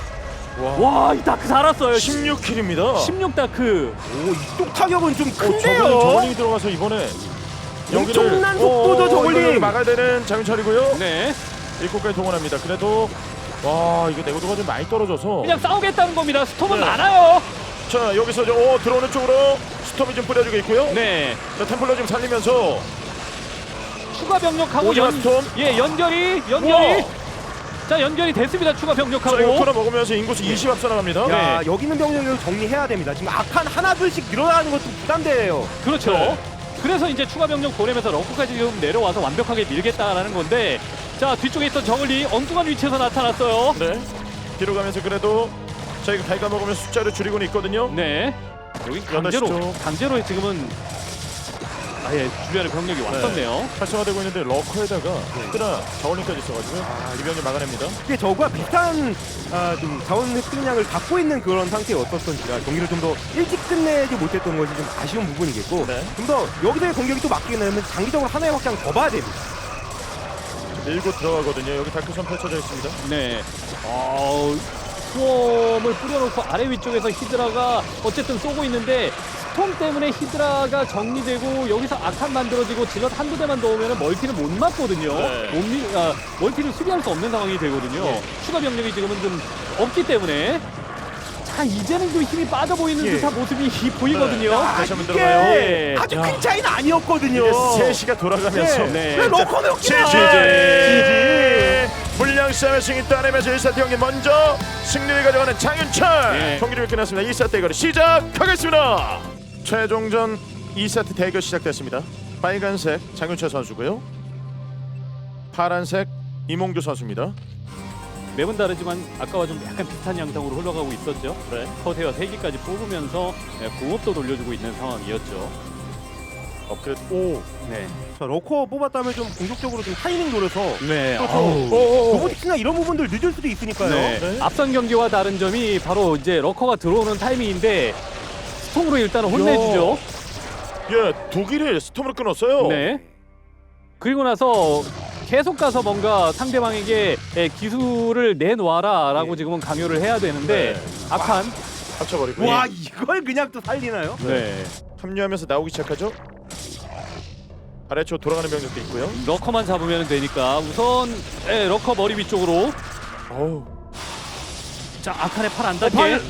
[SPEAKER 4] 와, 이 다크 살았어요.
[SPEAKER 3] 십육 킬입니다.
[SPEAKER 4] 십육 다크.
[SPEAKER 5] 오, 이쪽 타격은 좀
[SPEAKER 3] 저글링
[SPEAKER 5] 큰데요.
[SPEAKER 3] 저글링이 들어가서 이번에
[SPEAKER 5] 엄청난
[SPEAKER 3] 여기를-
[SPEAKER 5] 속도죠,
[SPEAKER 3] 오,
[SPEAKER 5] 저글링.
[SPEAKER 3] 이거를 막아야 되는 장윤철이고요.
[SPEAKER 4] 네.
[SPEAKER 3] 일곱까지 동원합니다. 그래도 와 이거 내구도가 좀 많이 떨어져서.
[SPEAKER 4] 그냥 싸우겠다는 겁니다. 스톰은
[SPEAKER 3] 네.
[SPEAKER 4] 많아요.
[SPEAKER 3] 자 여기서 저, 오, 들어오는 쪽으로 스톰이 좀 뿌려주고 있고요.
[SPEAKER 4] 네.
[SPEAKER 3] 자 템플러 좀 살리면서
[SPEAKER 4] 추가 병력하고
[SPEAKER 3] 오지마
[SPEAKER 4] 연,
[SPEAKER 3] 스톰.
[SPEAKER 4] 예, 연결이, 연결이.
[SPEAKER 3] 우와.
[SPEAKER 4] 자, 연결이 됐습니다. 추가
[SPEAKER 3] 자 이거
[SPEAKER 4] 병력하고.
[SPEAKER 3] 코너 먹으면서 인구수 이십 앞서 나갑니다.
[SPEAKER 5] 야,
[SPEAKER 4] 네.
[SPEAKER 5] 여기 있는 병력을 정리해야 됩니다. 지금 악한 하나 둘씩 늘어나는 것도 부담돼요.
[SPEAKER 4] 그렇죠.
[SPEAKER 3] 네.
[SPEAKER 4] 그래서 이제 추가 병력 보내면서 럭커까지 지금 내려와서 완벽하게 밀겠다라는 건데, 자, 뒤쪽에 있던 저글리 엉뚱한 위치에서 나타났어요.
[SPEAKER 3] 네. 뒤로 가면서 그래도 저희가 갈가 먹으면서 숫자를 줄이고는 있거든요.
[SPEAKER 4] 네. 여기
[SPEAKER 3] 여덟 시
[SPEAKER 4] 강제로
[SPEAKER 3] 쪽.
[SPEAKER 4] 강제로 지금은 아예 주변에 병력이 왔었네요.
[SPEAKER 3] 활성화되고 있는데 러커에다가 히드라 저울링까지 있어가지고
[SPEAKER 5] 아,
[SPEAKER 3] 이병이 막아냅니다.
[SPEAKER 5] 이게 저거와 비슷한 아, 좀 자원 획득량을 갖고 있는 그런 상태였었던지라 경기를 좀 더 일찍 끝내지 못했던 것이 좀 아쉬운 부분이겠고
[SPEAKER 3] 네.
[SPEAKER 5] 좀 더 여기서의 공격이 또 막히게 되면 장기적으로 하나의 확장 더 봐야 됩니다.
[SPEAKER 3] 밀고 들어가거든요. 여기 다크선 펼쳐져 있습니다.
[SPEAKER 4] 네. 어, 수험을 뿌려놓고 아래 위쪽에서 히드라가 어쨌든 쏘고 있는데 스톰 때문에 히드라가 정리되고 여기서 악한 만들어지고 질럿 한두 대만 넣으면 멀티를 못 맞거든요.
[SPEAKER 3] 네.
[SPEAKER 4] 못 미, 아, 멀티를 수비할 수 없는 상황이 되거든요.
[SPEAKER 3] 네.
[SPEAKER 4] 추가 병력이 지금은 좀 없기 때문에 자 이제는 좀 힘이 빠져 보이는
[SPEAKER 5] 예.
[SPEAKER 4] 듯한 모습이 보이거든요.
[SPEAKER 3] 아, 다시 한번
[SPEAKER 5] 이게
[SPEAKER 3] 들어가요.
[SPEAKER 4] 예.
[SPEAKER 5] 아주
[SPEAKER 3] 야.
[SPEAKER 5] 큰 차이는 아니었거든요.
[SPEAKER 3] 이게 세 시가 돌아가면서
[SPEAKER 5] 네.
[SPEAKER 4] 네.
[SPEAKER 5] 왜 러커는 없기나?
[SPEAKER 3] 지지 물량 싸움의 승리 따내면서 일 세트 경기 먼저 승리를 가져가는 장윤철.
[SPEAKER 4] 네.
[SPEAKER 3] 경기를 끝났습니다. 이 세트 대결 시작하겠습니다. 최종전 이 세트 대결 시작됐습니다. 빨간색 장윤철 선수고요. 파란색 이몽규 선수입니다.
[SPEAKER 4] 매번 다르지만 아까와 좀 약간 비슷한 양상으로 흘러가고 있었죠.
[SPEAKER 3] 네.
[SPEAKER 4] 커세어 세 개까지 뽑으면서 예, 공업도 돌려주고 있는 상황이었죠.
[SPEAKER 3] 업그레이드. 오.
[SPEAKER 4] 네.
[SPEAKER 5] 자, 러커 뽑았다면 좀 공격적으로 좀 타이밍 노려서
[SPEAKER 4] 네.
[SPEAKER 5] 또
[SPEAKER 4] 아우.
[SPEAKER 3] 오.
[SPEAKER 5] 로보틱스나 이런 부분들 늦을 수도 있으니까요.
[SPEAKER 4] 네.
[SPEAKER 3] 네.
[SPEAKER 4] 앞선 경기와 다른 점이 바로 이제 러커가 들어오는 타이밍인데 스톰으로 일단 혼내주죠.
[SPEAKER 3] 예, 독일을 스톰으로 끊었어요.
[SPEAKER 4] 네. 그리고 나서 계속 가서 뭔가 상대방에게 예, 기술을 내놓아라라고
[SPEAKER 5] 네.
[SPEAKER 4] 지금은 강요를 해야 되는데
[SPEAKER 3] 네.
[SPEAKER 4] 악한.
[SPEAKER 3] 합쳐버리고.
[SPEAKER 5] 와 이걸 그냥 또 살리나요?
[SPEAKER 4] 네.
[SPEAKER 3] 합류하면서 나오기 시작하죠. 아래쪽 돌아가는 병력도 있고요.
[SPEAKER 4] 러커만 잡으면 되니까 우선 예, 러커 머리 위쪽으로.
[SPEAKER 3] 어우.
[SPEAKER 4] 자 악한의 팔 안 닿게.
[SPEAKER 3] 팔.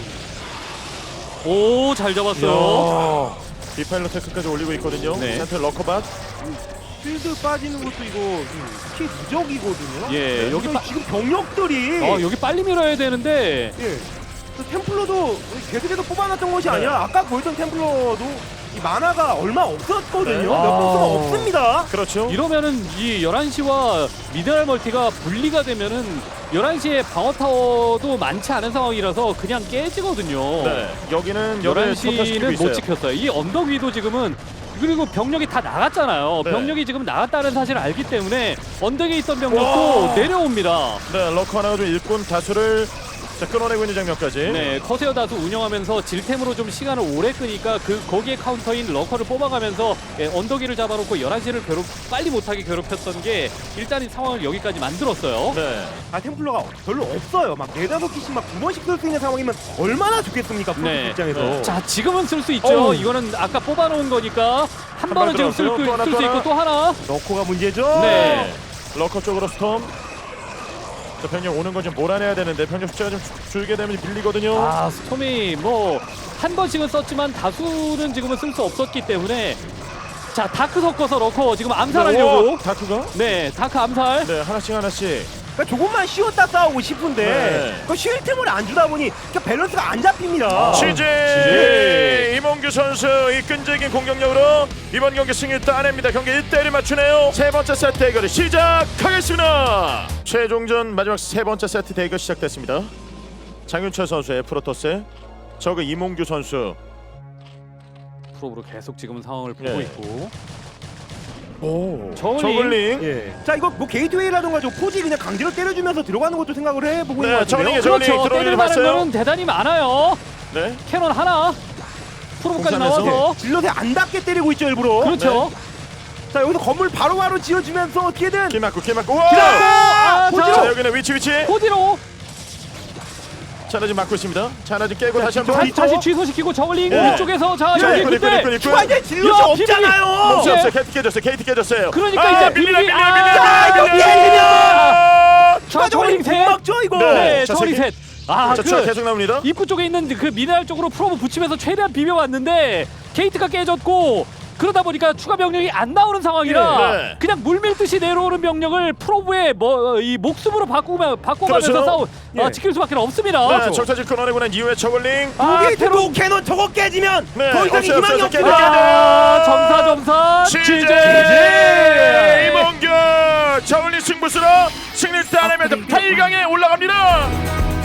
[SPEAKER 4] 오 잘 잡았어요.
[SPEAKER 3] 비파일러 테크까지 올리고 있거든요.
[SPEAKER 4] 네.
[SPEAKER 3] 센터 러커밭.
[SPEAKER 5] 필드 빠지는 것도 이거 키 누적이거든요.
[SPEAKER 4] 예,
[SPEAKER 5] 네.
[SPEAKER 4] 여기
[SPEAKER 5] 여기
[SPEAKER 4] 빠-
[SPEAKER 5] 지금 병력들이
[SPEAKER 4] 어 여기 빨리 밀어야 되는데
[SPEAKER 5] 예. 그 템플러도 계속해서 뽑아놨던 것이
[SPEAKER 3] 네.
[SPEAKER 5] 아니라 아까 보였던 템플러도 이 만화가 얼마 없었거든요.
[SPEAKER 3] 네.
[SPEAKER 5] 몇
[SPEAKER 4] 아.
[SPEAKER 5] 번수가 없습니다.
[SPEAKER 3] 그렇죠.
[SPEAKER 4] 이러면은 이 열한 시와 미네랄 멀티가 분리가 되면은 열한 시에 방어 타워도 많지 않은 상황이라서 그냥 깨지거든요.
[SPEAKER 3] 네. 여기는
[SPEAKER 4] 열한
[SPEAKER 3] 열한
[SPEAKER 4] 시는 못 지켰어요. 이 언덕 위도 지금은 그리고 병력이 다 나갔잖아요.
[SPEAKER 3] 네.
[SPEAKER 4] 병력이 지금 나갔다는 사실을 알기 때문에 언덕에 있던 병력도
[SPEAKER 3] 와.
[SPEAKER 4] 내려옵니다.
[SPEAKER 3] 네, 러커 하나가 좀 일꾼 다수를 자, 끊어내고 있는 장면까지.
[SPEAKER 4] 네, 커세어 다수 운영하면서 질템으로 좀 시간을 오래 끄니까 그 거기에 카운터인 러커를 뽑아가면서 예, 언덕 위를 잡아놓고 열한 시를 괴롭 빨리 못하게 괴롭혔던 게 일단 이 상황을 여기까지 만들었어요.
[SPEAKER 3] 네.
[SPEAKER 5] 아 템플러가 별로 없어요. 막 네다섯 개씩 막 두 번씩 쓸 수 있는 상황이면 얼마나 좋겠습니까? 프로토스
[SPEAKER 4] 네.
[SPEAKER 5] 입장에서.
[SPEAKER 3] 네.
[SPEAKER 4] 자, 지금은 쓸 수 있죠.
[SPEAKER 3] 어우.
[SPEAKER 4] 이거는 아까 뽑아놓은 거니까 한
[SPEAKER 3] 한
[SPEAKER 4] 번은
[SPEAKER 3] 발
[SPEAKER 4] 지금 쓸
[SPEAKER 3] 들어갔어요. 또 하나,
[SPEAKER 4] 수
[SPEAKER 3] 또
[SPEAKER 4] 있고 또 하나.
[SPEAKER 5] 러커가 문제죠.
[SPEAKER 4] 네.
[SPEAKER 3] 러커 쪽으로 스톰. 자, 병력 오는 건 좀 몰아내야 되는데 병력 숫자가 좀 줄- 줄게 되면 밀리거든요.
[SPEAKER 4] 아, 스톰이 뭐 한 번씩은 썼지만 다수는 지금은 쓸 수 없었기 때문에 자, 다크 섞어서 러커 지금 암살하려고.
[SPEAKER 3] 오, 다크가?
[SPEAKER 4] 네, 다크 암살.
[SPEAKER 3] 네, 하나씩 하나씩.
[SPEAKER 5] 그러니까 조금만 쉬었다 싸우고 싶은데
[SPEAKER 3] 네.
[SPEAKER 5] 그 쉴 틈을 안 주다 보니 그러니까 밸런스가 안 잡힙니다.
[SPEAKER 3] 취재
[SPEAKER 4] 취재.
[SPEAKER 3] 이몽규 선수 이 끈질긴 공격력으로 이번 경기 승리 따냅니다. 경기 일 대 일을 맞추네요. 세 번째 세트 대결이 시작하겠습니다. 최종전 마지막 세 번째 세트 대결 시작됐습니다. 장윤철 선수의 프로토스, 저그 이몽규 선수.
[SPEAKER 4] 프로브로 계속 지금 상황을 보고
[SPEAKER 3] 네.
[SPEAKER 4] 있고.
[SPEAKER 3] 오,
[SPEAKER 4] 저글링.
[SPEAKER 3] 저글링.
[SPEAKER 5] 예. 자 이거 뭐 게이트웨이라던가 저 포지 그냥 강제로 때려주면서 들어가는 것도 생각을 해보고
[SPEAKER 3] 네,
[SPEAKER 5] 있는 것
[SPEAKER 3] 저글링이죠.
[SPEAKER 5] 같은데요.
[SPEAKER 3] 저글링
[SPEAKER 4] 그렇죠.
[SPEAKER 3] 들어오는
[SPEAKER 4] 때릴
[SPEAKER 3] 거
[SPEAKER 4] 만한
[SPEAKER 3] 봤어요?
[SPEAKER 4] 거는 대단히 많아요.
[SPEAKER 3] 네.
[SPEAKER 4] 캐논 하나. 프로브까지
[SPEAKER 3] 공산에서.
[SPEAKER 4] 나와서.
[SPEAKER 5] 질럿에 안 닿게 때리고 있죠 일부러.
[SPEAKER 4] 그렇죠.
[SPEAKER 5] 자 여기서 건물 바로바로 지어주면서 어떻게든
[SPEAKER 3] 길 막고 길 막고. 와!
[SPEAKER 4] 아,
[SPEAKER 5] 포지로!
[SPEAKER 3] 자, 여기는 위치 위치.
[SPEAKER 4] 코디로
[SPEAKER 3] 자, 하나 지금 막고 있습니다. 자, 하나 지금 깨고
[SPEAKER 5] 자,
[SPEAKER 3] 다시
[SPEAKER 5] 뒤쪽,
[SPEAKER 3] 한번.
[SPEAKER 4] 다시, 다시 취소시키고 저글링
[SPEAKER 3] 네.
[SPEAKER 4] 위쪽에서 자
[SPEAKER 3] 자,
[SPEAKER 4] 여기
[SPEAKER 3] 일꾼 일꾼
[SPEAKER 4] 근데
[SPEAKER 3] 일꾼 일꾼.
[SPEAKER 5] 추가 이제 질럿이
[SPEAKER 4] 야,
[SPEAKER 5] 없잖아요.
[SPEAKER 3] 없어요,
[SPEAKER 4] 네.
[SPEAKER 3] 없어요. 게이트 깨졌어요. 게이트 깨졌어요.
[SPEAKER 4] 그러니까
[SPEAKER 3] 아,
[SPEAKER 4] 이제
[SPEAKER 3] 밀리면
[SPEAKER 4] 비밀이-
[SPEAKER 3] 밀리면
[SPEAKER 4] 아,
[SPEAKER 3] 밀리면
[SPEAKER 5] 자, 여기 밀리면!
[SPEAKER 3] 아!
[SPEAKER 4] 자 저글링 셋.
[SPEAKER 5] 막죠 이거.
[SPEAKER 3] 네.
[SPEAKER 4] 네,
[SPEAKER 3] 자,
[SPEAKER 4] 저글링
[SPEAKER 3] 세
[SPEAKER 4] 셋. 아,
[SPEAKER 3] 자, 추가
[SPEAKER 4] 그
[SPEAKER 3] 계속 나옵니다.
[SPEAKER 4] 입구 쪽에 있는 그 미네랄 쪽으로 프로브 붙이면서 최대한 비벼왔는데 게이트가 깨졌고 그러다 보니까 추가 병력이 안 나오는 상황이라
[SPEAKER 3] 네.
[SPEAKER 4] 그냥 물밀듯이 내려오는 병력을 프로브의 뭐 이 목숨으로 바꾸며 바꿔가면서
[SPEAKER 3] 그렇죠.
[SPEAKER 4] 싸우
[SPEAKER 5] 예.
[SPEAKER 4] 어, 지킬 수밖에 없습니다.
[SPEAKER 3] 네, 정찰지 끊어내고 난 이후에 저글링.
[SPEAKER 4] 아,
[SPEAKER 5] 여기
[SPEAKER 4] 테론.
[SPEAKER 5] 또 캐논 저거 깨지면
[SPEAKER 3] 네,
[SPEAKER 5] 더 이상
[SPEAKER 3] 없어요,
[SPEAKER 5] 희망이
[SPEAKER 3] 없어요.
[SPEAKER 5] 없습니다.
[SPEAKER 4] 아, 점사 점사
[SPEAKER 3] 취재
[SPEAKER 4] 취재.
[SPEAKER 3] 이몽규 저글링 승부수로 승리 따내면서 팔 강에 올라갑니다.